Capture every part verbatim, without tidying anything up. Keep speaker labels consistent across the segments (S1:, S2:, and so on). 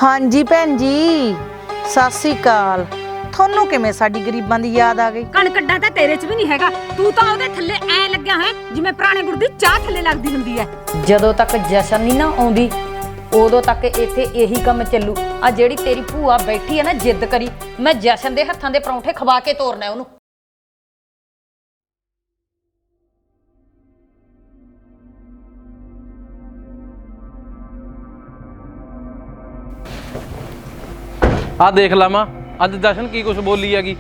S1: हाँ जी भैन जी सत श्री अकाल। थोनू किवें साडी गरीबां दी याद आ गई?
S2: कणकड्डा तां तेरे च भी नहीं हैगा, तू तां ओदे थल्ले ऐ लग्या है जिवें पुराने गुड़ दी चाह थल्ले लगदी हुंदी है।
S3: ਜਦੋਂ ਤੱਕ ਜਸ਼ਨ ਨਹੀਂ ਨਾ ਆਉਂਦੀ ਉਦੋਂ ਤੱਕ ਇੱਥੇ ਇਹੀ ਕੰਮ ਚੱਲੂ। ਆ ਜਿਹੜੀ ਤੇਰੀ ਭੂਆ ਬੈਠੀ ਹੈ ਨਾ ਜਿੱਦ ਕਰੀ, ਮੈਂ ਜਸ਼ਨ ਦੇ ਹੱਥਾਂ ਦੇ ਪਰੌਂਠੇ ਖਵਾ ਕੇ ਤੋਰਨਾ ਉਹਨੂੰ।
S4: आ देख ला मां अज जशन की कुछ बोली हैगी।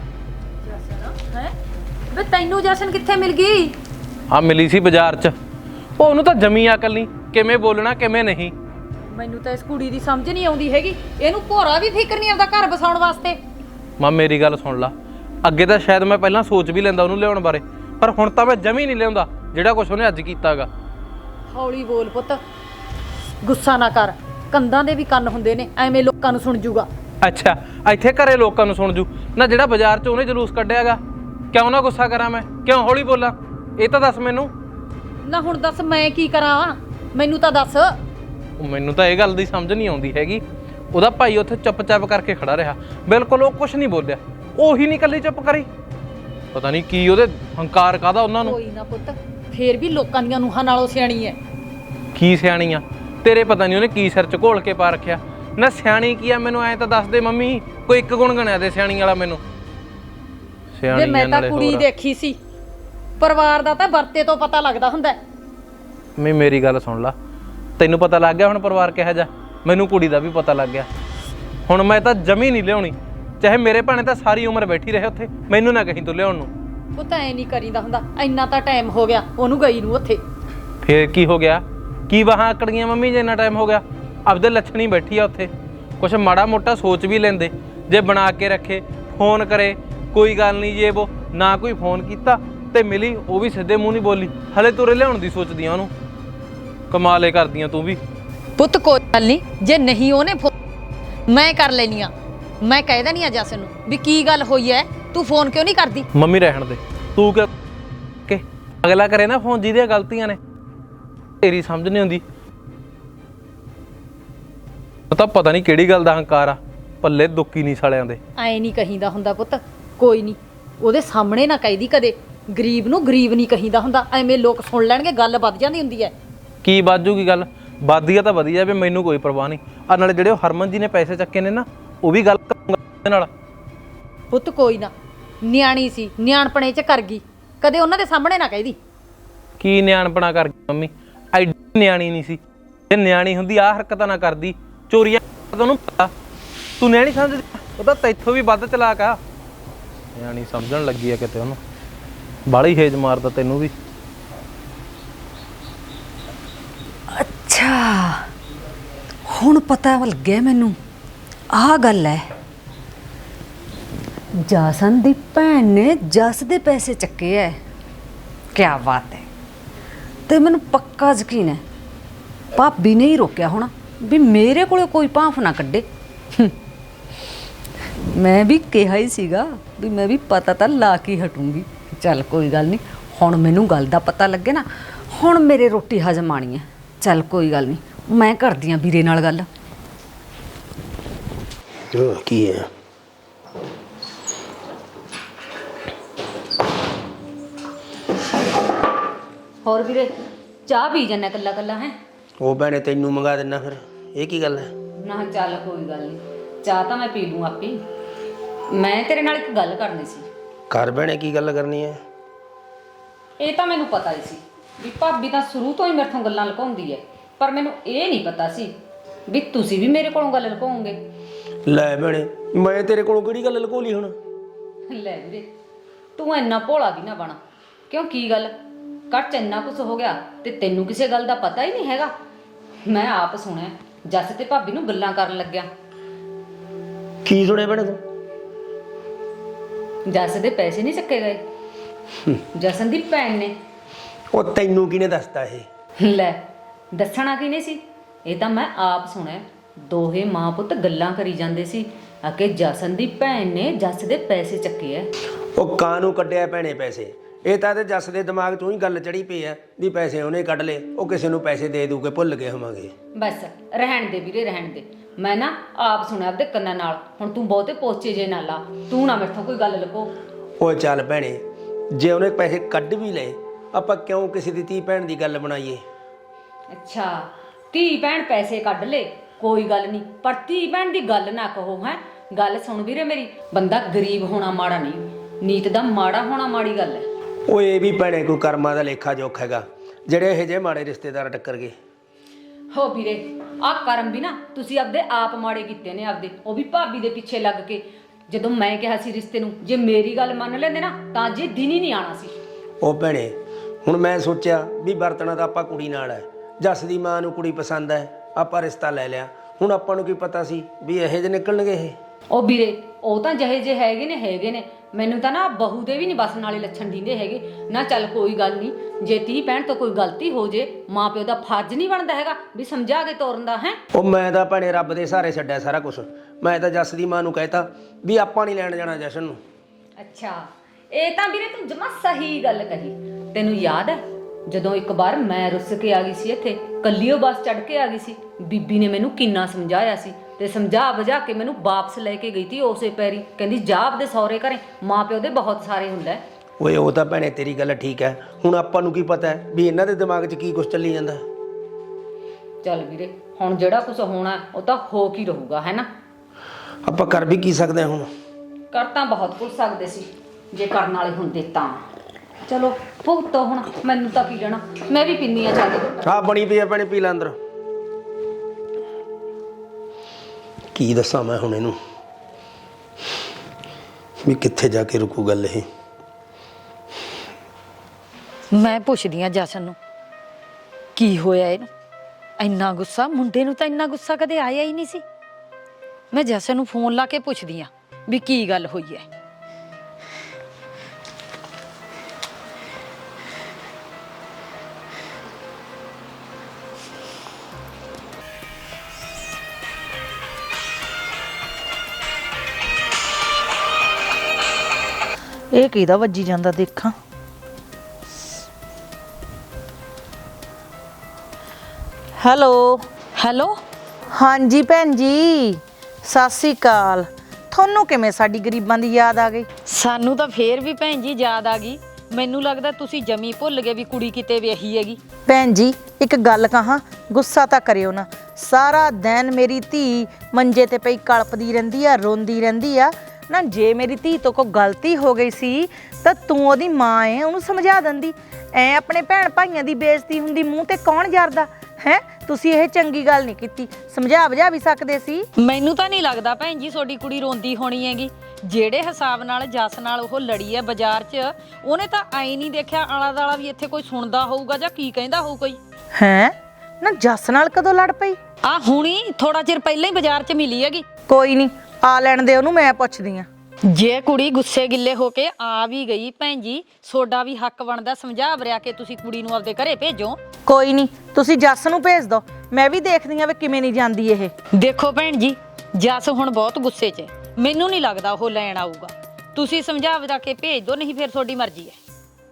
S3: ਜਸ਼ਨ ਹੈ ਵੇ ਤੈਨੂੰ ਜਸ਼ਨ ਕਿੱਥੇ ਮਿਲ ਗਈ?
S4: आ मिली सी बाजार च, ਉਹਨੂੰ ਤਾਂ ਜਮੀ ਅਕਲ ਨਹੀਂ ਕਿਵੇਂ ਬੋਲਣਾ ਕਿਵੇਂ ਨਹੀਂ।
S3: ਮੈਨੂੰ ਤਾਂ ਇਸ ਕੁੜੀ ਦੀ ਸਮਝ ਨਹੀਂ ਆਉਂਦੀ ਹੈਗੀ, ਇਹਨੂੰ ਭੋਰਾ ਵੀ ਫਿਕਰ ਨਹੀਂ ਆਉਂਦਾ ਘਰ ਬਸਾਉਣ ਵਾਸਤੇ।
S4: ਮਾਂ ਮੇਰੀ ਗੱਲ ਸੁਣ ਲਾ, ਅੱਗੇ ਤਾਂ ਸ਼ਾਇਦ ਮੈਂ ਪਹਿਲਾਂ ਸੋਚ ਵੀ ਲੈਂਦਾ ਉਹਨੂੰ ਲਿਆਉਣ ਬਾਰੇ, ਪਰ ਹੁਣ ਤਾਂ ਮੈਂ ਜਮੀ ਨਹੀਂ ਲਿਆਉਂਦਾ ਜਿਹੜਾ ਕੁਝ ਉਹਨੇ ਅੱਜ ਕੀਤਾਗਾ।
S3: ਹੌਲੀ ਬੋਲ ਪੁੱਤ, ਗੁੱਸਾ ਨਾ ਕਰ, ਕੰਧਾਂ ਦੇ ਵੀ ਕੰਨ ਹੁੰਦੇ ਨੇ, ਐਵੇਂ ਲੋਕਾਂ ਨੂੰ ਸੁਣ ਜੂਗਾ।
S4: ਅੱਛਾ ਇੱਥੇ ਘਰੇ ਲੋਕਾਂ ਨੂੰ ਸੁਣ ਜੂ ਨਾ, ਜਿਹੜਾ ਬਾਜ਼ਾਰ 'ਚ ਉਹਨੇ ਜਲੂਸ ਕੱਢਿਆਗਾ, ਕਿਉਂ ਨਾ ਗੁੱਸਾ ਕਰਾਂ ਮੈਂ, ਕਿਉਂ ਹੌਲੀ ਬੋਲਾਂ, ਇਹ ਤਾਂ ਦੱਸ ਮੈਨੂੰ।
S3: ਨਾ ਹੁਣ ਦੱਸ ਮੈਂ ਕੀ ਕਰਾਂ, ਮੈਨੂੰ ਤਾਂ ਦੱਸ।
S4: ਮੈਨੂੰ ਤਾਂ ਇਹ ਗੱਲ ਦੀ ਸਮਝ ਨਹੀਂ ਆਉਂਦੀ ਹੈਗੀ। ਉਹਦਾ ਭਾਈ ਉੱਥੇ ਚੁੱਪ-ਚਾਪ ਕਰਕੇ ਖੜਾ ਰਿਹਾ, ਬਿਲਕੁਲ ਉਹ ਕੁਝ ਨਹੀਂ ਬੋਲਿਆ, ਉਹੀ ਨਹੀਂ ਇਕੱਲੀ ਚੁੱਪ ਕਰੀ। ਪਤਾ ਨਹੀਂ ਕੀ ਉਹਦੇ ਹੰਕਾਰ ਕਾਹਦਾ ਉਹਨਾਂ ਨੂੰ।
S3: ਕੋਈ ਨਾ ਪੁੱਤ, ਫੇਰ ਵੀ ਲੋਕਾਂ ਦੀਆਂ ਨੂੰਹਾਂ ਨਾਲੋਂ ਸਿਆਣੀ ਐ।
S4: ਕੀ ਸਿਆਣੀ ਆ ਤੇਰੇ, ਪਤਾ ਨਹੀਂ ਉਹਨੇ ਕੀ ਸਿਰ 'ਚ ਘੋਲ ਕੇ ਪਾ ਰੱਖਿਆ ਨਾ। ਸਿਆਣੀ ਕੀ ਆ ਮੈਨੂੰ ਐਂ ਤਾਂ ਦੱਸ ਦੇ ਮੰਮੀ, ਕੋਈ ਇੱਕ ਗੁਣ ਗਣਿਆ ਦੇ ਸਿਆਣੀ ਵਾਲਾ ਮੈਨੂੰ।
S3: ਸਿਆਣੀ ਮੈਂ ਤਾਂ ਕੁੜੀ ਦੇਖੀ ਸੀ, ਪਰਿਵਾਰ ਦਾ ਤਾਂ ਵਰਤੇ ਤੋਂ ਪਤਾ ਲੱਗਦਾ ਹੁੰਦਾ।
S4: ਮੈਂ ਮੇਰੀ ਗੱਲ ਸੁਣ ਲਾ, ਤੈਨੂੰ ਪਤਾ ਲੱਗ ਗਿਆ ਹੁਣ ਪਰਿਵਾਰ ਕਿਹੋ ਜਿਹਾ, ਮੈਨੂੰ ਕੁੜੀ ਦਾ ਵੀ ਪਤਾ ਲੱਗ ਗਿਆ। ਹੁਣ ਮੈਂ ਤਾਂ ਜਮੀ ਨਹੀਂ ਲਿਆਉਣੀ, ਚਾਹੇ ਮੇਰੇ ਭਾਣੇ ਤਾਂ ਸਾਰੀ ਉਮਰ ਬੈਠੀ ਰਹੇ ਉੱਥੇ, ਮੈਨੂੰ ਨਾ ਕਹੀਂ ਤੂੰ ਲਿਆਉਣ ਨੂੰ।
S3: ਉਹ ਤਾਂ ਐ ਨਹੀਂ ਕਰੀਦਾ ਹੁੰਦਾ, ਇੰਨਾ ਤਾਂ ਟਾਈਮ ਹੋ ਗਿਆ ਉਹਨੂੰ ਗਈ ਨੂੰ ਉੱਥੇ।
S4: ਫੇਰ ਕੀ ਹੋ ਗਿਆ, ਕੀ ਬਾਹਾਂ ਆਕੜ ਗਈਆਂ ਮੰਮੀ ਜੇ ਇੰਨਾ ਟਾਈਮ ਹੋ ਗਿਆ? ਆਪਦੇ ਲੱਛਣੀ ਬੈਠੀ ਆ ਉੱਥੇ, ਕੁਛ ਮਾੜਾ ਮੋਟਾ ਸੋਚ ਵੀ ਲੈਂਦੇ, ਜੇ ਬਣਾ ਕੇ ਰੱਖੇ, ਫੋਨ ਕਰੇ ਕੋਈ ਗੱਲ ਨਹੀਂ ਜੇ ਉਹ ਨਾ ਕੋਈ ਫੋਨ ਕੀਤਾ ਤੇ ਮਿਲੀ ਉਹ ਵੀ ਸਿੱਧੇ ਮੂੰਹ ਨਹੀਂ ਬੋਲੀ, ਹਲੇ ਤੁਰੇ ਲਿਆਉਣ ਦੀ ਸੋਚਦੀਆਂ ਉਹਨੂੰ। ਕਮਾਲੇ ਕਰਦੀਆਂ ਤੂੰ ਵੀ।
S3: ਪੁੱਤ ਕੋਈ ਗੱਲ ਨਹੀਂ, ਜੇ ਨਹੀਂ ਉਹਨੇ ਮੈਂ ਕਰ ਲੈਣੀ ਆ, ਮੈਂ ਕਹਿ ਦੇਣੀ ਆ ਜਸਨ ਨੂੰ ਵੀ ਕੀ ਗੱਲ ਹੋਈ ਐ, ਤੂੰ ਫੋਨ ਕਿਉਂ ਨਹੀਂ ਕਰਦੀ?
S4: ਮੰਮੀ ਰਹਿਣ ਦੇ, ਤੂੰ ਕਿ ਕਿ ਅਗਲਾ ਕਰੇ ਨਾ ਫੋਨ ਜਿਹਦੀਆਂ ਗਲਤੀਆਂ ਨੇ, ਤੇਰੀ ਸਮਝ ਨਹੀਂ ਆਉਂਦੀ। ਤਾਂ ਪਤਾ ਨਹੀਂ ਕਿਹੜੀ ਗੱਲ ਦਾ ਹੰਕਾਰ ਆ, ਪੱਲੇ ਦੁੱਕੀ ਨਹੀਂ ਸਾਲਿਆਂ ਦੇ।
S3: ਐ ਨਹੀਂ ਕਹੀਦਾ ਹੁੰਦਾ ਪੁੱਤ, ਕੋਈ ਨਹੀਂ ਉਹਦੇ ਸਾਹਮਣੇ ਨਾ ਕਹਿਦੀ ਕਦੇ, ਗਰੀਬ ਨੂੰ ਗਰੀਬ ਨਹੀਂ ਕਹੀਦਾ ਹੁੰਦਾ, ਐਵੇਂ ਲੋਕ ਸੁਣ ਲੈਣਗੇ, ਗੱਲ ਵੱਧ ਜਾਂਦੀ ਹੁੰਦੀ ਐ।
S4: ਕੀ ਬਾਜੂਗੀ ਗੱਲ, ਵਧੀਆ ਤਾਂ ਵਧੀਆ ਵੀ ਮੈਨੂੰ ਕੋਈ ਪਰਵਾਹ ਨਹੀਂ। ਆ ਨਾਲੇ ਜਿਹੜੇ ਉਹ ਹਰਮਨ ਜੀ ਨੇ ਪੈਸੇ ਚੱਕੇ ਨੇ ਨਾ, ਉਹ ਵੀ ਗੱਲ ਕਰੂੰਗਾ ਉਹਦੇ ਨਾਲ।
S3: ਪੁੱਤ ਕੋਈ ਨਾ, ਨਿਆਣੀ ਸੀ, ਨਿਆਣਪਣੇ ਚ ਕਰ ਗਈ, ਕਦੇ ਉਹਨਾਂ ਦੇ ਸਾਹਮਣੇ ਨਾ ਕਹਿਦੀ।
S4: ਕੀ ਨਿਆਣਪਣਾ ਕਰ ਗਈ ਮੰਮੀ, ਐਡੀ ਨਿਆਣੀ ਨਹੀਂ ਸੀ, ਜੇ ਨਿਆਣੀ ਹੁੰਦੀ ਆਹ ਹਰਕਤਾਂ ਨਾ ਕਰਦੀ, ਚੋਰੀਆਂ ਉਹਨੂੰ ਪਤਾ। ਤੂੰ ਨਿਆਣੀ ਸਮਝਦੀ, ਉਹ ਤਾਂ ਤੈਥੋਂ ਵੀ ਵੱਧ ਚਲਾਕ ਆ। ਨਿਆਣੀ ਸਮਝਣ ਲੱਗੀ ਆ ਕਿਤੇ ਉਹਨੂੰ, ਬਾਹਲੀ ਹੇਜ ਮਾਰਦਾ ਤੈਨੂੰ ਵੀ।
S2: ਅੱਛਾ ਹੁਣ ਪਤਾ ਲੱਗਿਆ ਮੈਨੂੰ, ਆਹ ਗੱਲ ਹੈ। ਜਸਨ ਦੀ ਭੈਣ ਨੇ ਜਸ ਦੇ ਪੈਸੇ ਚੱਕੇ ਐ, ਕਿਆ ਬਾਤ ਹੈ। ਤੇ ਮੈਨੂੰ ਪੱਕਾ ਯਕੀਨ ਹੈ ਭਾਬੀ ਨੇ ਹੀ ਰੋਕਿਆ ਹੋਣਾ ਵੀ ਮੇਰੇ ਕੋਲੇ ਕੋਈ ਭਾਂਫ ਨਾ ਕੱਢੇ। ਮੈਂ ਵੀ ਕਿਹਾ ਹੀ ਸੀਗਾ ਵੀ ਮੈਂ ਵੀ ਪਤਾ ਤਾਂ ਲਾ ਕੇ ਹਟੂੰਗੀ। ਚੱਲ ਕੋਈ ਗੱਲ ਨਹੀਂ, ਹੁਣ ਮੈਨੂੰ ਗੱਲ ਦਾ ਪਤਾ ਲੱਗੇ ਨਾ, ਹੁਣ ਮੇਰੇ ਰੋਟੀ ਹਜਮ ਆਣੀ ਹੈ। ਚੱਲ ਕੋਈ ਗੱਲ ਨਹੀਂ, ਮੈਂ ਕਰਦੀ ਆਂ ਵੀਰੇ ਨਾਲ ਗੱਲ।
S5: ਕੀ ਹੈ
S3: ਹੋਰ ਵੀਰੇ ਚਾਹ ਪੀ ਜੰਨਾ ਕੱਲਾ ਕੱਲਾ ਹੈ?
S5: ਉਹ ਭੈਣੇ ਤੈਨੂੰ ਮੰਗਾ ਦਿੰਨਾ ਫਿਰ, ਇਹ ਕੀ ਗੱਲ ਹੈ?
S3: ਨਾ ਚੱਲ ਕੋਈ ਗੱਲ ਨਹੀਂ, ਚਾਹ ਤਾਂ ਮੈਂ ਪੀ ਲੂੰ ਆਪੇ। ਮੈਂ ਤੇਰੇ ਨਾਲ ਇੱਕ ਗੱਲ ਕਰਨੀ ਸੀ।
S5: ਘਰ ਭੈਣੇ ਕੀ ਗੱਲ ਕਰਨੀ ਹੈ?
S3: ਇਹ ਤਾਂ ਮੈਨੂੰ ਪਤਾ ਹੀ ਸੀ ਵੀ ਭਾਬੀ ਤਾਂ ਸ਼ੁਰੂ ਤੋਂ ਹੀ ਮੇਰੇ ਤੋਂ ਗੱਲਾਂ ਲੁਕਾਉਂਦੀ ਹੈ, ਪਰ ਮੈਨੂੰ ਇਹ ਨਹੀਂ ਪਤਾ ਸੀ ਵੀ ਤੁਸੀਂ ਵੀ ਮੇਰੇ ਕੋਲੋਂ ਗੱਲ ਲੁਕਾਓਗੇ।
S5: ਲੈ ਭੈਣੇ ਮੈਂ ਤੇਰੇ ਕੋਲੋਂ ਕਿਹੜੀ ਗੱਲ ਲੁਕੋ ਲਈ ਹੁਣ?
S3: ਲੈ ਵੀਰੇ ਤੂੰ ਇੰਨਾ ਭੋਲਾ ਵੀ ਨਾ ਬਣਾ, ਕਿਉਂ ਕੀ ਗੱਲ ਘਰ ਚ ਇੰਨਾ ਕੁਛ ਹੋ ਗਿਆ ਤੇ ਤੈਨੂੰ ਕਿਸੇ ਗੱਲ ਦਾ ਪਤਾ ਹੀ ਨਹੀਂ ਹੈਗਾ। ਮੈਂ ਆਪ ਸੁਣਿਆ ਜੱਸ ਤੇ ਭਾਬੀ ਨੂੰ ਗੱਲਾਂ ਕਰਨ ਲੱਗਿਆ।
S5: ਕੀ ਸੁਣਿਆ ਭੈਣੇ ਤੂੰ?
S3: ਜੱਸ ਦੇ ਪੈਸੇ ਨਹੀਂ ਚੱਕੇ ਗਏ, ਜਸਨ ਦੀ ਭੈਣ ਨੇ।
S5: ਉਹ ਤੈਨੂੰ ਕਿਹਨੇ ਦੱਸਤਾ ਇਹ?
S3: ਲੈ ਦੱਸਣਾ ਕਿਹਨੇ ਸੀ, ਇਹ ਤਾਂ ਮੈਂ ਆਪ ਸੁਣਿਆ। ਦੋਹੇ ਮਾਂ ਪੁੱਤ ਗੱਲਾਂ ਕਰੀ ਜਾਂਦੇ ਸੀ ਕਿ ਜਸਨ ਦੀ ਭੈਣ ਨੇ ਜੱਸ ਦੇ ਪੈਸੇ ਚੱਕੇ ਐ।
S5: ਉਹ ਕਾਹਨੂੰ ਕੱਢਿਆ ਭੈਣੇ ਪੈਸੇ? ਇਹ ਤਾਂ ਤੇ ਜੱਸ ਦੇ ਦਿਮਾਗ 'ਚੋਂ ਹੀ ਗੱਲ ਚੜੀ ਪਈ ਆ ਵੀ ਪੈਸੇ ਉਹਨੇ ਕੱਢ ਲਏ, ਉਹ ਕਿਸੇ ਨੂੰ ਪੈਸੇ ਦੇ ਦੂ ਕੇ ਭੁੱਲ ਗਏ ਹੋਵਾਂਗੇ।
S3: ਬਸ ਰਹਿਣ ਦੇ ਵੀਰੇ ਰਹਿਣ ਦੇ, ਮੈਂ ਨਾ ਆਪ ਸੁਣਿਆ ਆਪਦੇ ਕੰਨਾਂ ਨਾਲ। ਹੁਣ ਤੂੰ ਬਹੁਤੇ ਪੋਚੇ ਜੇ ਨਾ ਲਾ, ਤੂੰ ਨਾ ਮੈਥੋਂ ਕੋਈ ਗੱਲ ਲੁਕੋ।
S5: ਓਏ ਚੱਲ ਭੈਣੇ, ਜੇ ਉਹਨੇ ਪੈਸੇ ਕੱਢ ਵੀ ਲਏ ਆਪਾਂ ਕਿਉਂ ਕਿਸੇ ਦੀ ਧੀ ਭੈਣ ਦੀ ਗੱਲ ਬਣਾਈਏ?
S3: ਅੱਛਾ, ਧੀ ਭੈਣ ਪੈਸੇ ਕੱਢ ਲੇ ਕੋਈ ਗੱਲ ਨਹੀਂ, ਪਰ ਧੀ ਭੈਣ ਦੀ ਗੱਲ ਨਾ ਕਹੋ। ਹੈ ਗੱਲ ਸੁਣ ਵੀਰੇ ਮੇਰੀ, ਬੰਦਾ ਗਰੀਬ ਹੋਣਾ ਮਾੜਾ ਨਹੀਂ, ਨੀਤ ਦਾ ਮਾੜਾ ਹੋਣਾ ਮਾੜੀ ਗੱਲ ਹੈ।
S5: ਓਏ ਇਹ ਵੀ ਭੈਣੇ ਕੋਈ ਕਰਮਾਂ ਦਾ ਲੇਖਾ ਜੋਖ ਹੈਗਾ, ਜਿਹੜੇ ਇਹੋ ਜਿਹੇ ਮਾੜੇ ਰਿਸ਼ਤੇਦਾਰ ਟੱਕਰ ਗਏ।
S3: ਹੋ ਵੀਰੇ, ਆਹ ਕਰਮ ਵੀ ਨਾ ਤੁਸੀਂ ਆਪਦੇ ਆਪ ਮਾੜੇ ਕੀਤੇ ਨੇ ਆਪਦੇ, ਉਹ ਵੀ ਭਾਬੀ ਦੇ ਪਿੱਛੇ ਲੱਗ ਕੇ। ਜਦੋਂ ਮੈਂ ਕਿਹਾ ਸੀ ਰਿਸ਼ਤੇ ਨੂੰ, ਜੇ ਮੇਰੀ ਗੱਲ ਮੰਨ ਲੈਂਦੇ ਨਾ ਤਾਂ ਜੇ ਦਿਨ ਹੀ ਨਹੀਂ ਆਣਾ ਸੀ।
S5: ਉਹ ਭੈਣੇ ਹੁਣ ਮੈਂ ਸੋਚਿਆ ਵੀ ਵਰਤਣਾ ਤਾਂ ਆਪਾਂ ਕੁੜੀ ਨਾਲ ਹੈ, ਜੱਸ ਦੀ ਮਾਂ ਨੂੰ ਕੁੜੀ ਪਸੰਦ ਹੈ, ਆਪਾਂ ਰਿਸ਼ਤਾ ਲੈ ਲਿਆ। ਹੁਣ ਆਪਾਂ ਨੂੰ ਕੀ ਪਤਾ ਸੀ ਵੀ ਇਹੋ ਜਿਹੇ ਨਿਕਲਣਗੇ ਇਹ।
S3: ਉਹ ਵੀਰੇ ਉਹ ਤਾਂ ਜਿਹੇ ਜੇ ਹੈਗੇ ਨੇ ਹੈਗੇ ਨੇ, ਮੈਨੂੰ ਤਾਂ ਨਾ ਬਹੂ ਦੇ ਵੀ ਨਹੀਂ ਬਸ ਨਾਲੇ ਲੱਛਣ ਦਿੰਦੇ ਹੈਗੇ ਨਾ। ਚੱਲ ਕੋਈ ਗੱਲ ਨਹੀਂ, ਜੇ ਧੀ ਭੈਣ ਤੋਂ ਕੋਈ ਗਲਤੀ ਹੋ ਜੇ ਮਾਂ ਪਿਓ ਦਾ ਫਰਜ਼ ਨਹੀਂ ਬਣਦਾ ਹੈਗਾ ਵੀ ਸਮਝਾ ਕੇ ਤੋਰਨ ਦਾ। ਹੈ
S5: ਉਹ ਮੈਂ ਤਾਂ ਭੈਣੇ ਰੱਬ ਦੇ ਸਹਾਰੇ ਛੱਡਿਆ ਸਾਰਾ ਕੁਝ। ਮੈਂ ਤਾਂ ਜੱਸ ਦੀ ਮਾਂ ਨੂੰ ਕਹਿਤਾ ਵੀ ਆਪਾਂ ਨਹੀਂ ਲੈਣ ਜਾਣਾ ਜਸ਼ਨ ਨੂੰ।
S3: ਅੱਛਾ, ਇਹ ਤਾਂ ਵੀਰੇ ਤੂੰ ਜਮਾ ਸਹੀ ਗੱਲ ਕਹੀ। ਤੈਨੂੰ ਯਾਦ ਹੈ ਜਦੋਂ ਇੱਕ ਵਾਰ ਮੈਂ ਰੁੱਸ ਕੇ ਆ ਗਈ ਸੀ ਇੱਥੇ, ਕੱਲੀਓ ਬੱਸ ਚੜ੍ਹ ਕੇ ਆ ਗਈ ਸੀ, ਬੀਬੀ ਨੇ ਮੈਨੂੰ ਕਿੰਨਾ ਸਮਝਾਇਆ ਸੀ ਤੇ ਸਮਝਾ ਬੁਝਾ ਕੇ ਮੈਨੂੰ ਵਾਪਸ ਲੈ ਕੇ ਗਈ ਤੀ ਉਸੇ ਪੈਰੀ। ਕਹਿੰਦੀ ਜਾ ਆਪਦੇ ਸਹੁਰੇ ਘਰੇ, ਮਾਂ ਪਿਓ ਦੇ ਬਹੁਤ ਸਾਰੇ ਹੁੰਦਾ।
S5: ਓਏ ਉਹ ਤਾਂ ਭੈਣੇ ਤੇਰੀ ਗੱਲ ਠੀਕ ਹੈ, ਹੁਣ ਆਪਾਂ ਨੂੰ ਕੀ ਪਤਾ ਹੈ ਵੀ ਇਹਨਾਂ ਦੇ ਦਿਮਾਗ 'ਚ ਕੀ ਕੁਝ ਚੱਲੀ ਜਾਂਦਾ।
S3: ਚੱਲ ਵੀਰੇ, ਹੁਣ ਜਿਹੜਾ ਕੁਝ ਹੋਣਾ ਉਹ ਤਾਂ ਹੋ ਕੀ ਰਹੂਗਾ, ਹੈ ਨਾ।
S5: ਆਪਾਂ ਕਰ ਵੀ ਕੀ ਸਕਦੇ ਹਾਂ ਹੁਣ?
S3: ਕਰ ਤਾਂ ਬਹੁਤ ਕੁਝ ਸਕਦੇ ਸੀ ਜੇ ਕਰਨ ਵਾਲੇ ਹੁੰਦੇ ਤਾਂ। ਚਲੋ ਭੁਗਤੋ ਹੁਣ, ਮੈਨੂੰ ਤਾਂ ਕੀ ਲੈਣਾ, ਮੈਂ ਵੀ ਪੀਂਦੀ ਆ ਚੱਲ।
S5: ਆਹ ਬਣੀ ਪਈ ਆ ਭੈਣੇ, ਪੀ ਲੈ ਅੰਦਰ। ਕੀ ਦੱਸਾਂ ਮੈਂ ਹੁਣ ਇਹਨੂੰ ਵੀ ਕਿੱਥੇ ਜਾ ਕੇ ਰੁਕੂ ਗੱਲ ਇਹ।
S1: ਮੈਂ ਪੁੱਛਦੀ ਆ ਜਸ਼ਨ ਨੂੰ ਕੀ ਹੋਇਆ ਇਹਨੂੰ, ਇੰਨਾ ਗੁੱਸਾ। ਮੁੰਡੇ ਨੂੰ ਤਾਂ ਇੰਨਾ ਗੁੱਸਾ ਕਦੇ ਆਇਆ ਹੀ ਨਹੀਂ ਸੀ। ਮੈਂ ਜਸ਼ਨ ਨੂੰ ਫੋਨ ਲਾ ਕੇ ਪੁੱਛਦੀ ਆ ਵੀ ਕੀ ਗੱਲ ਹੋਈ ਹੈ। ਇਹ ਕਿਹਦਾ ਵੱਜੀ ਜਾਂਦਾ ਦੇਖਾਂ। ਹੈਲੋ ਹੈਲੋ, ਹਾਂਜੀ ਭੈਣ ਜੀ ਸਤਿ ਸ੍ਰੀ ਅਕਾਲ। ਤੁਹਾਨੂੰ ਕਿਵੇਂ ਸਾਡੀ ਗਰੀਬਾਂ ਦੀ ਯਾਦ ਆ ਗਈ?
S6: ਸਾਨੂੰ ਤਾਂ ਫੇਰ ਵੀ ਭੈਣ ਜੀ ਯਾਦ ਆ ਗਈ। ਮੈਨੂੰ ਲੱਗਦਾ ਤੁਸੀਂ ਜਮੀ ਭੁੱਲ ਗਏ ਵੀ ਕੁੜੀ ਕਿਤੇ ਵਿਆਹੀ ਹੈਗੀ।
S1: ਭੈਣ ਜੀ ਇੱਕ ਗੱਲ ਕਹਾਂ, ਗੁੱਸਾ ਤਾਂ ਕਰਿਓ ਨਾ। ਸਾਰਾ ਦਿਨ ਮੇਰੀ ਧੀ ਮੰਜੇ ਤੇ ਪਈ ਕਲਪਦੀ ਰਹਿੰਦੀ ਆ, ਰੋਂਦੀ ਰਹਿੰਦੀ ਆ ਨਾ। ਜੇ ਮੇਰੀ ਧੀ ਤੋਂ ਕੋਈ ਗਲਤੀ ਹੋ ਗਈ ਸੀ ਤਾਂ ਤੂੰ ਉਹਦੀ ਮਾਂ ਏ, ਉਹਨੂੰ ਸਮਝਾ ਦਿੰਦੀ। ਐ ਆਪਣੇ ਭੈਣ ਭਾਈਆਂ ਦੀ ਬੇਇੱਜ਼ਤੀ ਹੁੰਦੀ ਮੂੰਹ ਤੇ ਕੌਣ ਜਰਦਾ ਹੈ? ਤੁਸੀਂ ਇਹ ਚੰਗੀ ਗੱਲ ਨਹੀਂ ਕੀਤੀ, ਸਮਝਾ ਬੁਝਾ ਵੀ ਸਕਦੇ ਸੀ।
S6: ਮੈਨੂੰ ਤਾਂ ਨਹੀਂ ਲੱਗਦਾ ਭੈਣ ਜੀ ਤੁਹਾਡੀ ਕੁੜੀ ਰੋਂਦੀ ਹੋਣੀ ਹੈਗੀ। ਜਿਹੜੇ ਹਿਸਾਬ ਨਾਲ ਜੱਸ ਨਾਲ ਉਹ ਲੜੀ ਹੈ ਬਾਜ਼ਾਰ 'ਚ, ਉਹਨੇ ਤਾਂ ਆਈ ਨਹੀਂ ਦੇਖਿਆ ਆਲਾ ਦਾਲਾ ਵੀ ਇੱਥੇ ਕੋਈ ਸੁਣਦਾ ਹੋਊਗਾ ਜਾਂ ਕੀ ਕਹਿੰਦਾ ਹੋਊ ਕੋਈ।
S1: ਹੈ ਨਾ, ਜੱਸ ਨਾਲ ਕਦੋਂ ਲੜ ਪਈ?
S6: ਆ ਹੁਣੀ ਥੋੜਾ ਚਿਰ ਪਹਿਲਾਂ ਹੀ ਬਾਜ਼ਾਰ 'ਚ ਮਿਲੀ ਹੈਗੀ।
S1: ਕੋਈ ਨਹੀਂ, ਆ ਲੈਣ ਦੇ ਉਹਨੂੰ, ਮੈਂ ਪੁੱਛਦੀ ਆ।
S6: ਜੇ ਕੁੜੀ ਗੁੱਸੇ ਗਿੱਲੇ ਹੋ ਕੇ ਆ ਵੀ ਗਈ ਭੈਣ ਜੀ, ਤੁਹਾਡਾ ਵੀ ਹੱਕ ਬਣਦਾ ਸਮਝਾ ਵਰਿਆ ਕੇ ਤੁਸੀਂ ਕੁੜੀ ਨੂੰ ਆਪਦੇ ਘਰੇ ਭੇਜੋ।
S1: ਕੋਈ ਨਹੀਂ, ਤੁਸੀਂ ਜੱਸ ਨੂੰ ਭੇਜ ਦਿਓ, ਮੈਂ ਵੀ ਦੇਖਦੀ ਆ ਵੀ ਕਿਵੇਂ ਨਹੀਂ ਜਾਂਦੀ ਇਹ।
S6: ਦੇਖੋ ਭੈਣ ਜੀ, ਜੱਸ ਹੁਣ ਬਹੁਤ ਗੁੱਸੇ 'ਚ ਹੈ, ਮੈਨੂੰ ਨਹੀਂ ਲੱਗਦਾ ਉਹ ਲੈਣ ਆਊਗਾ। ਤੁਸੀਂ ਸਮਝਾ ਵਰਾ ਕੇ ਭੇਜ ਦਿਓ, ਨਹੀਂ ਫਿਰ ਤੁਹਾਡੀ ਮਰਜ਼ੀ ਹੈ।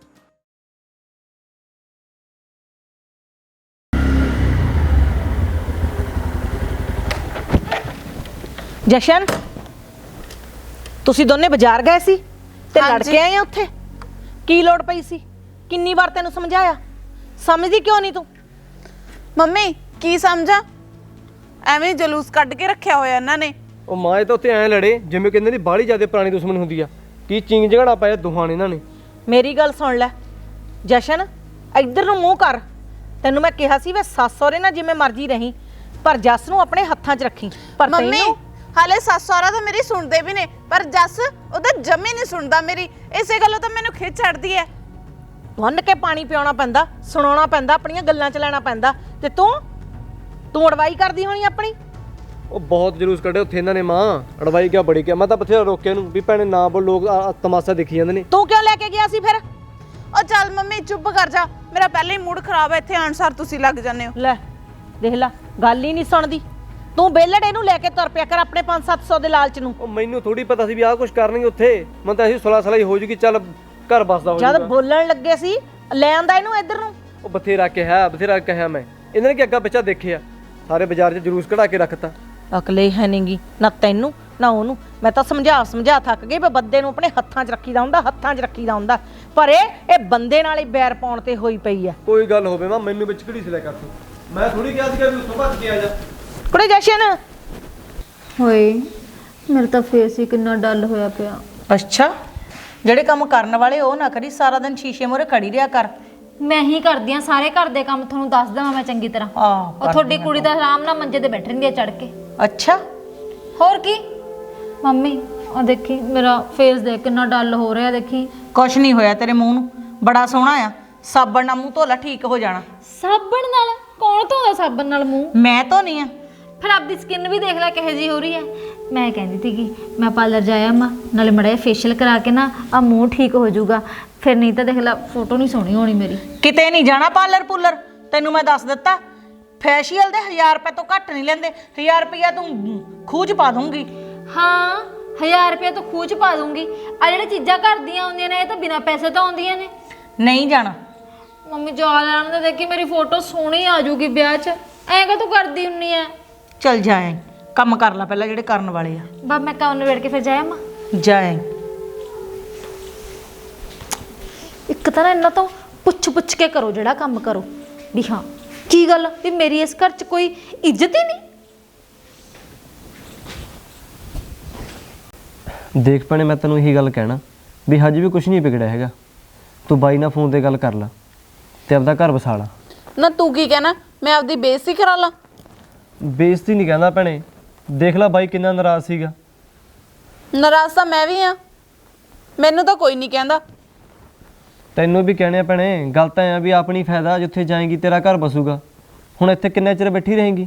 S1: ਜਸ਼ਨ, ਤੁਸੀਂ ਦੋਨੇ ਬਾਜ਼ਾਰ ਗਏ ਸੀ ਤੇ ਲੜ ਕੇ ਆਏ ਆ ਉੱਥੇ? ਕੀ ਲੋੜ ਪਈ ਸੀ? ਕਿੰਨੀ ਵਾਰ ਤੈਨੂੰ ਸਮਝਾਇਆ, ਸਮਝਦੀ ਕਿਉਂ ਨਹੀਂ ਤੂੰ?
S7: ਮੰਮੀ ਕੀ ਸਮਝਾਂ, ਐਵੇਂ ਜਲੂਸ ਕੱਢ ਕੇ ਰੱਖਿਆ ਹੋਇਆ ਇਹਨਾਂ ਨੇ।
S8: ਉਹ ਮਾਂ ਇਹ ਤਾਂ ਉੱਥੇ ਐਂ ਲੜੇ ਜਿਵੇਂ ਕਹਿੰਦੇ ਦੀ ਬਾਹਲੀ ਜ਼ਿਆਦਾ ਪੁਰਾਣੀ ਦੁਸ਼ਮਣ ਹੁੰਦੀ ਆ। ਕੀ ਚਿੰਗ ਝਗੜਾ ਪਾਇਆ ਦੋਹਾਂ ਨੇ ਇਹਨਾਂ ਨੇ।
S1: ਮੇਰੀ ਗੱਲ ਸੁਣ ਲੈ ਜਸ਼ਨ, ਇੱਧਰ ਨੂੰ ਮੂੰਹ ਕਰ। ਤੈਨੂੰ ਮੈਂ ਕਿਹਾ ਸੀ ਵੇ ਸੱਸ ਸਹੁਰੇ ਨਾਲ ਜਿਵੇਂ ਮਰਜ਼ੀ ਰਹੀਂ, ਪਰ ਜੱਸ ਨੂੰ ਆਪਣੇ ਹੱਥਾਂ 'ਚ ਰੱਖੀ। ਪਰ
S7: ਮੰਮੀ
S1: ਤੈਨੂੰ
S7: ਹਾਲੇ ਸੱਸ ਸਹੁਰਾ ਤਾਂ ਮੇਰੀ ਸੁਣਦੇ ਵੀ ਨੇ, ਪਰ ਜੱਸ ਉਹਦਾ ਜੰਮੀ ਨਹੀਂ ਸੁਣਦਾ ਮੇਰੀ। ਇਸੇ ਗੱਲੋਂ ਤਾਂ ਮੈਨੂੰ ਖਿੱਚ ਚੜਦੀ ਹੈ।
S1: ਬੰਨ ਕੇ ਪਾਣੀ ਪਿਆਉਣਾ ਪੈਂਦਾ, ਸੁਣਾਉਣਾ ਪੈਂਦਾ, ਆਪਣੀਆਂ ਗੱਲਾਂ 'ਚ ਲੈਣਾ ਪੈਂਦਾ। ਤੇ ਤੂੰ ਤੂੰ ਅੜਵਾਈ ਕਰਦੀ ਹੋਣੀ ਆਪਣੀ।
S8: ਉਹ ਬਹੁਤ ਜਲੂਸ ਕੱਢਿਆ ਉੱਥੇ ਇਹਨਾਂ ਨੇ। ਮਾਂ ਅੜਵਾਈ ਕਿਆ ਬੜੀ ਕਿਆ, ਮੈਂ ਤਾਂ ਬਥੇਰਾ ਰੋਕਿਆ ਨੂੰ ਵੀ ਭੈਣੇ ਨਾ ਬੋਲ, ਲੋਕ ਆ- ਤਮਾਸ਼ਾ ਦੇਖੀ ਜਾਂਦੇ ਨੇ।
S1: ਤੂੰ ਕਿਉਂ ਲੈ ਕੇ ਗਿਆ ਸੀ ਫਿਰ?
S7: ਉਹ ਚੱਲ ਮੰਮੀ ਚੁੱਪ ਕਰ ਜਾ, ਮੇਰਾ ਪਹਿਲਾਂ ਹੀ ਮੂਡ ਖਰਾਬ ਹੈ। ਇੱਥੇ ਆਉਣ ਸਾਰ ਤੁਸੀਂ ਲੱਗ ਜਾਂਦੇ ਹੋ।
S1: ਲੈ ਦੇਖ ਲੈ, ਗੱਲ ਹੀ ਨਹੀਂ ਸੁਣਦੀ। ਤੂੰ ਬੇਲੜ ਇਹਨੂੰ ਲੈ ਕੇ ਤੁਰ ਪਿਆ ਕਰ ਆਪਣੇ ਪੰਜ ਸੱਤ ਸੌ ਦੇ ਲਾਲਚ ਨੂੰ।
S8: ਉਹ ਮੈਨੂੰ ਥੋੜੀ ਪਤਾ ਸੀ ਵੀ ਆਹ ਕੁਝ ਕਰਨਗੇ ਉੱਥੇ। ਮੈਂ ਤਾਂ ਅਸੀਂ ਸੁਲਾ ਸਲਾਈ ਹੋ ਜੂਗੀ, ਚੱਲ ਘਰ ਬਸਦਾ ਹੋ
S1: ਜਦ
S8: ਜਾਊਗਾ।
S1: ਬੋਲਣ ਲੱਗੇ ਸੀ ਲੈ ਆਂਦਾ ਇਹਨੂੰ ਇੱਧਰ ਨੂੰ।
S8: ਉਹ ਬਥੇਰਾ ਕਿਹਾ ਬਥੇਰਾ ਕਿਹਾ ਮੈਂ, ਇਹਨਾਂ ਨੇ ਕਿ ਅੱਗਾ ਪਿੱਛਾ ਦੇਖਿਆ, ਸਾਰੇ ਬਾਜ਼ਾਰ 'ਚ ਜਲੂਸ ਕਢਾ ਕੇ ਰੱਖਤਾ।
S1: ਅਕਲੇ ਹੈ ਨਹੀਂਗੀ ਨਾ ਤੈਨੂੰ ਨਾ ਉਹਨੂੰ। ਮੈਂ ਤਾਂ ਸਮਝਾ ਸਮਝਾ ਥੱਕ ਗਈ ਵੀ ਬੰਦੇ ਨੂੰ ਆਪਣੇ ਹੱਥਾਂ 'ਚ ਰੱਖੀਦਾ ਹੁੰਦਾ, ਹੱਥਾਂ 'ਚ ਰੱਖੀਦਾ ਹੁੰਦਾ, ਪਰ ਇਹ ਇਹ ਬੰਦੇ ਨਾਲ ਹੀ ਬੈਰ ਪਾਉਣ ਤੇ ਹੋਈ ਪਈ ਆ।
S8: ਕੋਈ ਗੱਲ ਹੋਵੇ ਮਾਂ ਮੈਨੂੰ ਵਿੱਚ ਘੜੀ ਸਿਲਾ ਕਰ ਤੂੰ, ਮੈਂ ਥੋੜੀ ਕਿਹਾ ਸੀਗਾ ਵੀ ਉੱਥੋਂ ਭੱਜ ਕੇ ਆ ਜਾ।
S1: ਕੁੜੇ ਜਸ਼ਨ
S9: ਹੋਏ ਮੇਰਾ ਤਾਂ ਫੇਸ ਹੀ ਕਿੰਨਾ ਡਲ ਹੋਇਆ ਪਿਆ।
S1: ਅੱਛਾ, ਜਿਹੜੇ ਕੰਮ ਕਰਨ ਵਾਲੇ ਉਹ ਨਾ ਕਰੀ, ਸਾਰਾ ਦਿਨ ਸ਼ੀਸ਼ੇ ਮੂਹਰੇ ਖੜੀ ਰਿਹਾ ਕਰ।
S9: ਮੈਂ ਹੀ ਕਰਦੀ ਆ ਸਾਰੇ ਘਰ ਦੇ ਕੰਮ, ਤੁਹਾਨੂੰ ਦੱਸ ਦਵਾਂ ਮੈਂ ਚੰਗੀ ਤਰ੍ਹਾਂ।
S1: ਆਹ
S9: ਉਹ ਤੁਹਾਡੀ ਕੁੜੀ ਤਾਂ ਆਰਾਮ ਨਾਲ ਮੰਜੇ ਤੇ ਬੈਠ ਰਹਿੰਦੀ ਆ ਚੜ ਕੇ।
S1: ਅੱਛਾ,
S9: ਹੋਰ ਕੀ ਮੰਮੀ, ਉਹ ਦੇਖੀ ਮੇਰਾ ਫੇਸ ਦੇਖ ਕਿੰਨਾ ਡਲ ਹੋ ਰਿਹਾ। ਦੇਖੀ
S1: ਕੁਛ ਨਹੀਂ ਹੋਇਆ ਤੇਰੇ ਮੂੰਹ ਨੂੰ, ਬੜਾ ਸੋਹਣਾ ਆ। ਸਾਬਣ ਨਾਲ ਮੂੰਹ ਧੋਲਾ, ਠੀਕ ਹੋ ਜਾਣਾ।
S9: ਸਾਬਣ ਨਾਲ? ਕੌਣ ਧੋਦਾ ਸਾਬਣ ਨਾਲ ਮੂੰਹ?
S1: ਮੈਂ ਧੋਨੀ ਆ।
S9: ਫਿਰ ਆਪਦੀ ਸਕਿਨ ਵੀ ਦੇਖ ਲੈ ਕਿਹੋ ਜਿਹੀ ਹੋ ਰਹੀ ਹੈ। ਮੈਂ ਕਹਿੰਦੀ ਸੀ ਕਿ ਮੈਂ ਪਾਰਲਰ ਜਾਇਆ ਮਾਂ, ਨਾਲੇ ਮੜਾ ਫੇਸ਼ੀਅਲ ਕਰਾ ਕੇ ਨਾ ਆ ਮੂੰਹ ਠੀਕ ਹੋ ਜਾਊਗਾ। ਫਿਰ ਨਹੀਂ ਤਾਂ ਦੇਖ ਲੈ ਫੋਟੋ ਨਹੀਂ ਸੋਹਣੀ ਹੋਣੀ ਮੇਰੀ।
S1: ਕਿਤੇ ਨਹੀਂ ਜਾਣਾ ਪਾਰਲਰ ਪੂਲਰ, ਤੈਨੂੰ ਮੈਂ ਦੱਸ ਦਿੱਤਾ। ਫੈਸ਼ੀਅਲ ਦੇ ਹਜ਼ਾਰ ਰੁਪਏ ਤੋਂ ਘੱਟ ਨਹੀਂ ਲੈਂਦੇ। ਹਜ਼ਾਰ ਰੁਪਇਆ ਤੂੰ ਖੂਹ 'ਚ ਪਾ ਦੂੰਗੀ।
S9: ਹਾਂ, ਹਜ਼ਾਰ ਰੁਪਏ ਤੋਂ ਖੂਹ 'ਚ ਪਾ ਦੂੰਗੀ। ਆ ਜਿਹੜੇ ਚੀਜ਼ਾਂ ਘਰ ਦੀਆਂ ਆਉਂਦੀਆਂ ਨੇ ਇਹ ਤਾਂ ਬਿਨਾਂ ਪੈਸੇ ਤੋਂ ਆਉਂਦੀਆਂ ਨੇ।
S1: ਨਹੀਂ ਜਾਣਾ।
S9: ਮੰਮੀ ਜਾ ਲੈਣ ਦੇ, ਦੇਖੀ ਮੇਰੀ ਫੋਟੋ ਸੋਹਣੀ ਆ ਜਾਊਗੀ ਵਿਆਹ 'ਚ। ਐਂ ਕਾ ਤੂੰ ਕਰਦੀ ਹੁੰਨੀ ਐ?
S1: ਚੱਲ ਜਾਏ, ਕੰਮ ਕਰ ਲੈ ਪਹਿਲਾਂ ਜਿਹੜੇ ਕਰਨ ਵਾਲੇ ਆ।
S9: ਬਾ ਮੈਂ ਕੰਮ ਨਿਬੇੜ ਕੇ ਫਿਰ ਜਾਇਆ ਮਾਂ।
S1: ਜਾਏ।
S9: ਇੱਕ ਤਾਂ ਨਾ ਇਹਨਾਂ ਤੋਂ ਪੁੱਛ ਪੁੱਛ ਕੇ ਕਰੋ ਜਿਹੜਾ ਕੰਮ ਕਰੋ, ਵੀ ਹਾਂ ਕੀ ਗੱਲ ਵੀ ਮੇਰੀ ਇਸ ਘਰ 'ਚ ਕੋਈ ਇੱਜ਼ਤ ਹੀ ਨਹੀਂ।
S8: ਦੇਖ ਭੈਣੇ, ਮੈਂ ਤੈਨੂੰ ਇਹੀ ਗੱਲ ਕਹਿਣਾ ਵੀ ਹਜੇ ਵੀ ਕੁਝ ਨਹੀਂ ਵਿਗੜਿਆ ਹੈਗਾ। ਤੂੰ ਬਾਈ ਨਾਲ ਫੋਨ ਤੇ ਗੱਲ ਕਰ ਲੈ ਤੇ ਆਪਦਾ ਘਰ ਵਸਾ ਲਾ।
S7: ਨਾ ਤੂੰ ਕੀ ਕਹਿਣਾ, ਮੈਂ ਆਪਦੀ ਬੇਇੱਜ਼ਤੀ ਕਰਾ ਲਾਂ?
S8: ਬੇਇੱਜ਼ਤੀ ਨਹੀਂ ਕਹਿੰਦਾ ਭੈਣੇ, ਦੇਖ ਲੈ ਬਾਈ ਕਿੰਨਾ ਨਾਰਾਜ਼ ਸੀਗਾ।
S7: ਨਾਰਾਜ਼ ਤਾਂ ਮੈਂ ਵੀ ਆ, ਮੈਨੂੰ ਤਾਂ ਕੋਈ ਨਹੀਂ ਕਹਿੰਦਾ।
S8: ਤੈਨੂੰ ਵੀ ਕਹਿਣੇ ਆ ਭੈਣੇ, ਗੱਲ ਤਾਂ ਐ ਵੀ ਆਪਣੀ ਫਾਇਦਾ, ਜਿੱਥੇ ਜਾਏਗੀ ਤੇਰਾ ਘਰ ਬਸੂਗਾ। ਹੁਣ ਇੱਥੇ ਕਿੰਨੇ ਚਿਰ ਬੈਠੀ ਰਹੇਂਗੀ?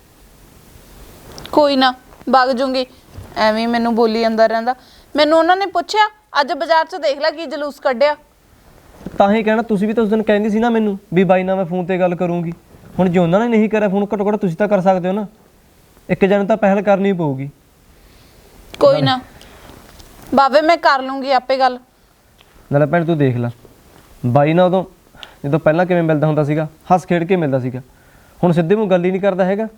S7: ਕੋਈ ਨਾ, ਵਗ ਜੂੰਗੀ। ਐਵੇਂ ਮੈਨੂੰ ਬੋਲੀ ਅੰਦਰ ਰਹਿੰਦਾ। ਮੈਨੂੰ ਉਹਨਾਂ ਨੇ ਪੁੱਛਿਆ ਅੱਜ ਬਾਜ਼ਾਰ 'ਚ ਦੇਖ ਲੈ ਕੀ ਜਲੂਸ ਕੱਢਿਆ।
S8: ਤਾਂ ਹੀ ਕਹਿਣਾ, ਤੁਸੀਂ ਵੀ ਤਾਂ ਉਸ ਦਿਨ ਕਹਿੰਦੀ ਸੀ ਨਾ ਮੈਨੂੰ ਵੀ ਬਾਈ ਨਾਲ ਮੈਂ ਫੋਨ ਤੇ ਗੱਲ ਕਰੂੰਗੀ। ਹੁਣ ਜੇ ਉਹਨਾਂ ਨੇ ਨਹੀਂ ਕਰਿਆ ਫੋਨ, ਘੱਟੋ ਘੱਟ ਤੁਸੀਂ ਤਾਂ ਕਰ ਸਕਦੇ ਹੋ ਨਾ। ਇੱਕ ਜਣੇ ਤਾਂ ਪਹਿਲ ਕਰਨੀ ਪਊਗੀ।
S7: ਕੋਈ ਨਾ ਬਾਵੇ, ਮੈਂ ਕਰ ਲੂੰਗੀ ਆਪੇ ਗੱਲ।
S8: ਨਾਲੇ ਭੈਣ ਤੂੰ ਦੇਖ ਲੈ, ਬਾਈ ਨਾਲ ਉਦੋਂ ਜਦੋਂ ਪਹਿਲਾਂ ਕਿਵੇਂ ਮਿਲਦਾ ਹੁੰਦਾ ਸੀਗਾ, ਹੱਸ ਖੇਡ ਕੇ ਮਿਲਦਾ ਸੀਗਾ। ਹੁਣ ਸਿੱਧੇ ਮੂੰਹ ਗੱਲ ਹੀ ਨਹੀਂ ਕਰਦਾ ਹੈਗਾ।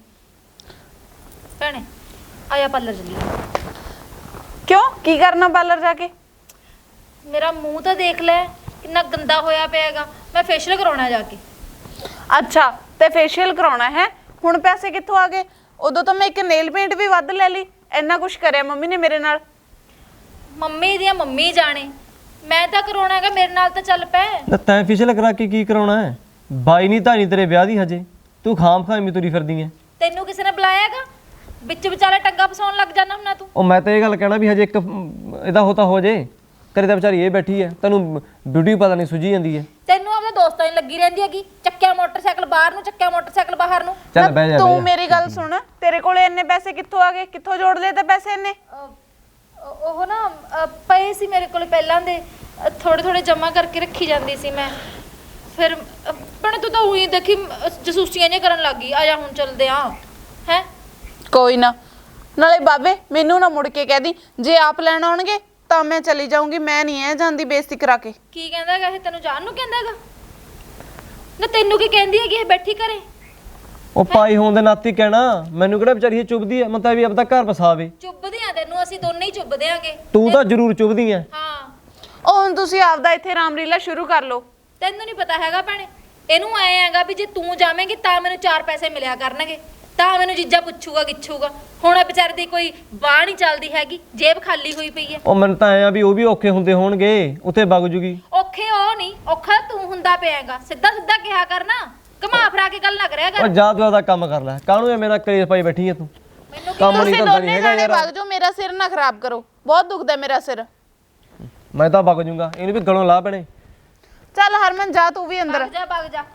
S9: ਭੈਣੇ ਆਇਆ ਪਾਰਲਰ ਚੱਲੀਏ।
S7: ਕਿਉਂ, ਕੀ ਕਰਨਾ ਪਾਰਲਰ ਜਾ ਕੇ?
S9: ਮੇਰਾ ਮੂੰਹ ਤਾਂ ਦੇਖ ਲੈ ਕਿੰਨਾ ਗੰਦਾ ਹੋਇਆ ਪਿਆ ਹੈਗਾ। ਮੈਂ ਫੇਸ਼ੀਅਲ ਕਰਾਉਣਾ ਜਾ ਕੇ।
S7: ਅੱਛਾ, ਤੇ ਫੇਸ਼ੀਅਲ ਕਰਾਉਣਾ ਹੈ? ਹੁਣ ਪੈਸੇ ਕਿੱਥੋਂ ਆ ਗਏ? ਉਦੋਂ ਤਾਂ ਮੈਂ ਇੱਕ ਨੇਲ ਪੇਂਟ ਵੀ ਵੱਧ ਲੈ ਲਈ। ਇੰਨਾ ਕੁਝ ਕਰਿਆ ਮੰਮੀ ਨੇ ਮੇਰੇ ਨਾਲ।
S9: ਮੰਮੀ ਦੀਆਂ ਮੰਮੀ ਜਾਣੇ, ਮੈਂ ਤਾਂ ਕਰਾਉਣਾ ਹੈਗਾ, ਮੇਰੇ ਨਾਲ ਤਾਂ ਚੱਲ ਪੈ।
S8: ਨਾ ਤੈਂ ਫੇਸ਼ੀਅਲ ਕਰਾ ਕੇ ਕੀ ਕਰਾਉਣਾ ਹੈ? ਬਾਈ ਨਹੀਂ ਤਾਂ ਨਹੀਂ ਤੇਰੇ ਵਿਆਹ ਦੀ ਹਜੇ, ਤੂੰ ਖਾਮ ਖਾਮੀ ਤੁਰੀ ਫਿਰਦੀ ਐ।
S9: ਤੈਨੂੰ ਕਿਸੇ ਨੇ ਬੁਲਾਇਆ ਹੈਗਾ? ਵਿੱਚ ਵਿਚਾਲੇ ਟੰਗਾ ਫਸਾਉਣ ਲੱਗ ਜਾਣਾ ਹੁੰਨਾ ਤੂੰ।
S8: ਉਹ ਮੈਂ ਤਾਂ ਇਹ ਗੱਲ ਕਹਿਣਾ ਵੀ ਹਜੇ ਇੱਕ ਇਹਦਾ ਹੋਤਾ ਹੋ ਜੇ। ਕਰੇ ਤਾਂ ਵਿਚਾਰੀ ਇਹ ਬੈਠੀ ਐ, ਤੈਨੂੰ ਬਿਊਟੀ ਪਤਾ ਨਹੀਂ ਸੁਝੀ ਜਾਂਦੀ ਐ।
S9: ਤੈਨੂੰ ਆਪਣੇ ਦੋਸਤਾਂ ਦੀ ਲੱਗੀ ਰਹਿੰਦੀ ਹੈਗੀ, ਚੱਕਿਆ ਮੋਟਰਸਾਈਕਲ ਬਾਹਰ ਨੂੰ, ਚੱਕਿਆ ਮੋਟਰਸਾਈਕਲ ਬਾਹਰ ਨੂੰ।
S8: ਚੱਲ ਬਹਿ ਜਾ।
S7: ਤੂੰ ਮੇਰੀ ਗੱਲ ਸੁਣ, ਤੇਰੇ ਕੋਲੇ ਇੰਨੇ ਪੈਸੇ ਕਿੱਥੋਂ ਆ ਗਏ? ਕਿੱਥੋਂ ਜੋੜ ਲਏ ਤੇ ਪੈਸੇ ਇੰਨੇ?
S9: ਅਹ ਉਹ ਨਾ ਅਹ ਪਏ ਸੀ ਮੇਰੇ ਕੋਲ ਪਹਿਲਾਂ ਦੇ, ਥੋੜੇ ਥੋੜੇ ਜਮਾ ਕਰਕੇ ਰੱਖੀ ਜਾਂਦੀ ਸੀ ਮੈਂ। ਫਿਰ ਪਰ ਤੂੰ ਤਾਂ ਉਹੀ ਦੇਖੀ ਜਸੂਸੀਆਂ ਜਿਹੀਆਂ ਕਰਨ ਲੱਗ ਗਈ। ਆ ਜਾ ਹੁਣ ਚੱਲਦੇ ਆ ਹੈ।
S7: ਕੋਈ ਨਾ, ਨਾਲੇ ਬਾਬੇ ਮੈਨੂੰ ਨਾ ਮੁੜ ਕੇ ਕਹਿਦੀ ਜੇ ਆਪ ਲੈਣ ਆਉਣਗੇ ਤਾਂ ਮੈਂ ਚਲੀ ਜਾਊਂਗੀ। ਮੈਂ ਨਹੀਂ ਐ ਜਾਂਦੀ ਬੇਇੱਜ਼ਤੀ ਕਰਾ ਕੇ।
S9: ਕੀ ਕਹਿੰਦਾ ਹੈਗਾ ਇਹ? ਤੈਨੂੰ ਜਾਣ ਨੂੰ ਕਹਿੰਦਾ ਹੈਗਾ ਨਾ? ਤੈਨੂੰ ਕੀ ਕਹਿੰਦੀ ਹੈਗੀ ਇਹ ਬੈਠੀ ਘਰੇ?
S8: ਉਹ ਪਾਈ ਹੋਣ ਦੇ ਨਾਤੇ ਕਹਿਣਾ, ਮੈਨੂੰ ਕਿਹੜਾ ਵਿਚਾਰੀ ਇਹ ਚੁੱਭਦੀ ਐ। ਮੈਂ ਤਾਂ ਵੀ ਆਪਦਾ ਘਰ ਵਸਾਵੇ।
S9: ਚੁੱਭਦੇ ਆ ਤੈਨੂੰ, ਅਸੀਂ ਦੋਨੇ ਹੀ ਚੁੱਭਦੇ ਆਂਗੇ।
S8: ਤੂੰ ਤਾਂ ਜ਼ਰੂਰ ਚੁੱਭਦੀ ਐ।
S9: ਹਾਂ,
S7: ਉਹ ਹੁਣ ਤੁਸੀਂ ਆਪਦਾ ਇੱਥੇ ਰਾਮਲੀਲਾ ਸ਼ੁਰੂ ਕਰ ਲਓ।
S9: ਤੈਨੂੰ ਨਹੀਂ ਪਤਾ ਹੈਗਾ ਭੈਣੇ, ਇਹਨੂੰ ਐ ਹੈਗਾ ਵੀ ਜੇ ਤੂੰ ਜਾਵੇਂਗੀ ਤਾਂ ਮੈਨੂੰ ਚਾਰ ਪੈਸੇ ਮਿਲਿਆ ਕਰਨਗੇ, ਤਾਂ ਮੈਨੂੰ ਜੀਜਾ ਪੁੱਛੂਗਾ ਗਿੱਛੂਗਾ। ਹੁਣ ਇਹ ਵਿਚਾਰੇ ਦੀ ਕੋਈ ਬਾਹ ਨਹੀਂ ਚੱਲਦੀ ਹੈਗੀ, ਜੇਬ ਖਾਲੀ ਹੋਈ ਪਈ ਹੈ।
S8: ਉਹ ਮੈਨੂੰ ਤਾਂ ਐ ਆ ਵੀ ਉਹ ਵੀ ਔਖੇ ਹੁੰਦੇ ਹੋਣਗੇ, ਉੱਥੇ ਵਗ ਜੂਗੀ।
S9: ਔਖੇ ਉਹ ਨਹੀਂ, ਔਖਾ ਤੂੰ ਹੁੰਦਾ ਪਿਆਗਾ। ਸਿੱਧਾ ਸਿੱਧਾ ਕਿਹਾ ਕਰਨਾ, ਘੁਮਾ ਫਰਾ ਕੇ ਗੱਲ ਨਾ ਕਰਿਆ
S8: ਉਹ
S9: ਕਰ।
S8: ਜਾ ਤੂੰ ਆਪਦਾ ਕੰਮ ਕਰ ਲੈ। ਕਾਹਨੂੰ ਐਵੇਂ ਨਾਲ ਕਲੇਸ਼ ਪਾਈ ਬੈਠੀ ਐ ਤੂੰ?
S9: ਮੈਨੂੰ
S8: ਕੰਮ ਨਹੀਂ
S7: ਤੁਸੀਂ
S8: ਧੰਦਾ ਨਹੀਂ
S7: ਦੋਨੇ
S8: ਹੈਗਾ
S7: ਜਾਣੇ
S8: ਯਾਰ।
S7: ਵਗ ਜਾਓ, ਮੇਰਾ ਸਿਰ ਨਾ ਖਰਾਬ ਕਰੋ। ਬਹੁਤ ਦੁਖਦਾ ਮੇਰਾ ਸਿਰ।
S8: ਮੈਂ ਤਾਂ ਵਗ ਜੂੰਗਾ, ਇਹਨੂੰ ਵੀ ਗਲੋਂ ਲਾ ਪੈਣੇ।
S7: ਚੱਲ ਹਰਮਨ ਜਾ ਤੂੰ ਵੀ ਅੰਦਰ।
S9: ਭੱਗ ਜਾ ਭੱਗ ਜਾ।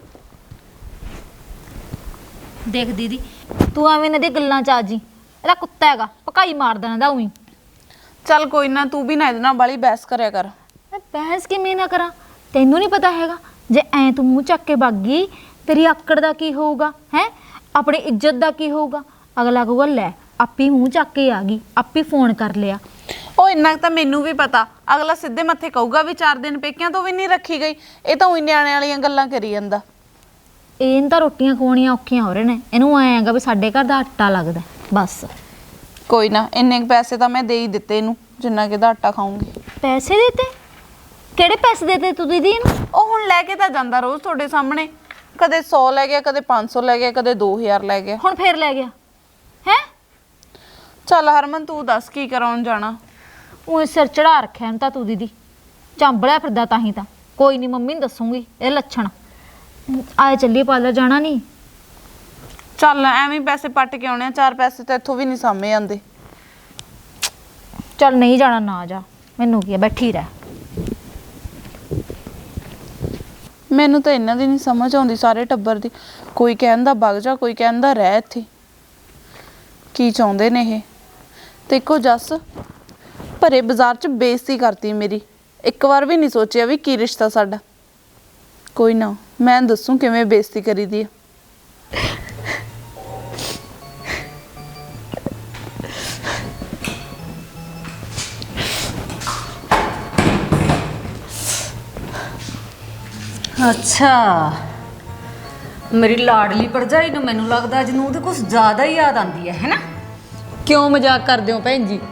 S9: ਦੇਖ ਦੀਦੀ, ਤੂੰ ਐਵੇਂ ਇਹਨਾਂ ਦੀਆਂ ਗੱਲਾਂ ਚ ਆ ਜੀ। ਇਹਦਾ ਕੁੱਤਾ ਹੈਗਾ, ਭਕਾਈ ਮਾਰ ਦੇਣਾ ਦਾ ਉਹੀ।
S7: ਚੱਲ ਕੋਈ ਨਾ, ਤੂੰ ਵੀ ਨਾ ਇਹਦੇ ਨਾਲ ਬਾਲੀ ਬਹਿਸ ਕਰਿਆ ਕਰ।
S9: ਮੈਂ ਬਹਿਸ ਕਿਵੇਂ ਨਾ ਕਰਾਂ? ਤੈਨੂੰ ਨਹੀਂ ਪਤਾ ਹੈਗਾ ਜੇ ਐ ਤੂੰ ਮੂੰਹ ਚੱਕ ਕੇ ਭੱਗ ਗਈ ਤੇਰੀ ਆਕੜ ਦਾ ਕੀ ਹੋਊਗਾ ਹੈ? ਆਪਣੀ ਇੱਜ਼ਤ ਦਾ ਕੀ ਹੋਊਗਾ? ਅਗਲਾ ਕਹੂਗਾ ਲੈ ਆਪੀ ਮੂੰਹ ਚੱਕ ਕੇ ਆ ਗਈ, ਆਪੀ ਫੋਨ ਕਰ ਲਿਆ।
S7: ਉਹ ਇੰਨਾ ਤਾਂ ਮੈਨੂੰ ਵੀ ਪਤਾ। ਅਗਲਾ ਸਿੱਧੇ ਮੱਥੇ ਕਹੂਗਾ ਵੀ ਚਾਰ ਦਿਨ ਪੇਕਿਆਂ ਤੋਂ ਵੀ ਨਹੀਂ ਰੱਖੀ ਗਈ। ਇਹ ਤਾਂ ਉਹੀ ਨਿਆਣੇ ਵਾਲੀਆਂ ਗੱਲਾਂ ਕਰੀ ਜਾਂਦਾ।
S9: ਇਹਨ ਤਾਂ ਰੋਟੀਆਂ ਖਵਾਉਣੀਆਂ ਔਖੀਆਂ ਹੋ ਰਹੇ ਨੇ। ਇਹਨੂੰ ਐਂ ਹੈਗਾ ਵੀ ਸਾਡੇ ਘਰ ਦਾ ਆਟਾ ਲੱਗਦਾ। ਬਸ।
S7: ਕੋਈ ਨਾ, ਇੰਨੇ ਕੁ ਪੈਸੇ ਤਾਂ ਮੈਂ ਦੇ ਹੀ ਦਿੱਤੇ ਇਹਨੂੰ, ਜਿੰਨਾ ਕਿ ਇਹਦਾ ਆਟਾ ਖਾਊਂਗੀ।
S9: ਪੈਸੇ ਦੇਤੇ? ਕਿਹੜੇ ਪੈਸੇ ਦੇਤੇ ਤੂੰ ਦੀਦੀ ਨੂੰ?
S7: ਉਹ ਹੁਣ ਲੈ ਕੇ ਤਾਂ ਜਾਂਦਾ ਰੋਜ਼ ਤੁਹਾਡੇ ਸਾਹਮਣੇ, ਕਦੇ ਸੌ ਲੈ ਗਿਆ, ਕਦੇ ਪੰਜ ਸੌ ਲੈ ਗਿਆ, ਕਦੇ ਦੋ ਹਜ਼ਾਰ ਲੈ ਗਿਆ।
S9: ਹੁਣ ਫੇਰ ਲੈ ਗਿਆ ਹੈ?
S7: ਚੱਲ ਹਰਮਨ ਤੂੰ ਦੱਸ ਕੀ ਕਰਾਉਣ ਜਾਣਾ?
S9: ਉਹ ਸਿਰ ਚੜਾ ਰੱਖਿਆ ਇਹਨੂੰ ਤਾਂ ਤੂੰ ਦੀਦੀ, ਚਾਂਬਲਿਆ ਫਿਰਦਾ ਤਾਂ ਹੀ ਤਾਂ। ਕੋਈ ਨਹੀਂ ਮੰਮੀ ਨੂੰ ਦੱਸੂਗੀ ਇਹ ਲੱਛਣ। ਆਏ ਚੱਲੀਏ ਪਾਰਲਰ, ਜਾਣਾ ਨਹੀਂ?
S7: ਚੱਲ ਐਵੇਂ ਹੀ ਪੈਸੇ ਪੱਟ ਕੇ ਆਉਣੇ ਆ, ਚਾਰ ਪੈਸੇ ਤਾਂ ਇੱਥੋਂ ਵੀ ਨਹੀਂ ਸਾਹਮਣੇ ਆਉਂਦੇ।
S9: ਚੱਲ ਨਹੀਂ ਜਾਣਾ ਨਾ ਜਾ, ਮੈਨੂੰ ਕੀ ਆ, ਬੈਠੀ ਰਹਿ।
S7: ਮੈਨੂੰ ਤਾਂ ਇਹਨਾਂ ਦੀ ਨਹੀਂ ਸਮਝ ਆਉਂਦੀ, ਸਾਰੇ ਟੱਬਰ ਦੀ। ਕੋਈ ਕਹਿੰਦਾ ਵਗ ਜਾ, ਕੋਈ ਕਹਿੰਦਾ ਰਹਿ ਇੱਥੇ। ਕੀ ਚਾਹੁੰਦੇ ਨੇ ਇਹ? ਤੇ ਇੱਕੋ ਜੱਸ ਭਰੇ ਬਾਜ਼ਾਰ 'ਚ ਬੇਇੱਜ਼ਤੀ ਕਰਤੀ ਮੇਰੀ, ਇੱਕ ਵਾਰ ਵੀ ਨਹੀਂ ਸੋਚਿਆ ਵੀ ਕੀ ਰਿਸ਼ਤਾ ਸਾਡਾ। ਕੋਈ ਨਾ, ਮੈਂ ਦੱਸੂ ਕਿਵੇਂ ਬੇਇੱਜ਼ਤੀ ਕਰੀਦੀ ਆ।
S3: ਅੱਛਾ, ਮੇਰੀ ਲਾਡਲੀ ਭਰਜਾਈ ਨੂੰ ਮੈਨੂੰ ਲੱਗਦਾ ਅੱਜ ਨੂੰ ਉਹਦੇ ਕੁਝ ਜ਼ਿਆਦਾ ਹੀ ਯਾਦ ਆਉਂਦੀ ਹੈ ਹੈਨਾ?
S6: ਕਿਉਂ ਮਜ਼ਾਕ ਕਰਦੇ ਹੋ ਭੈਣ ਜੀ?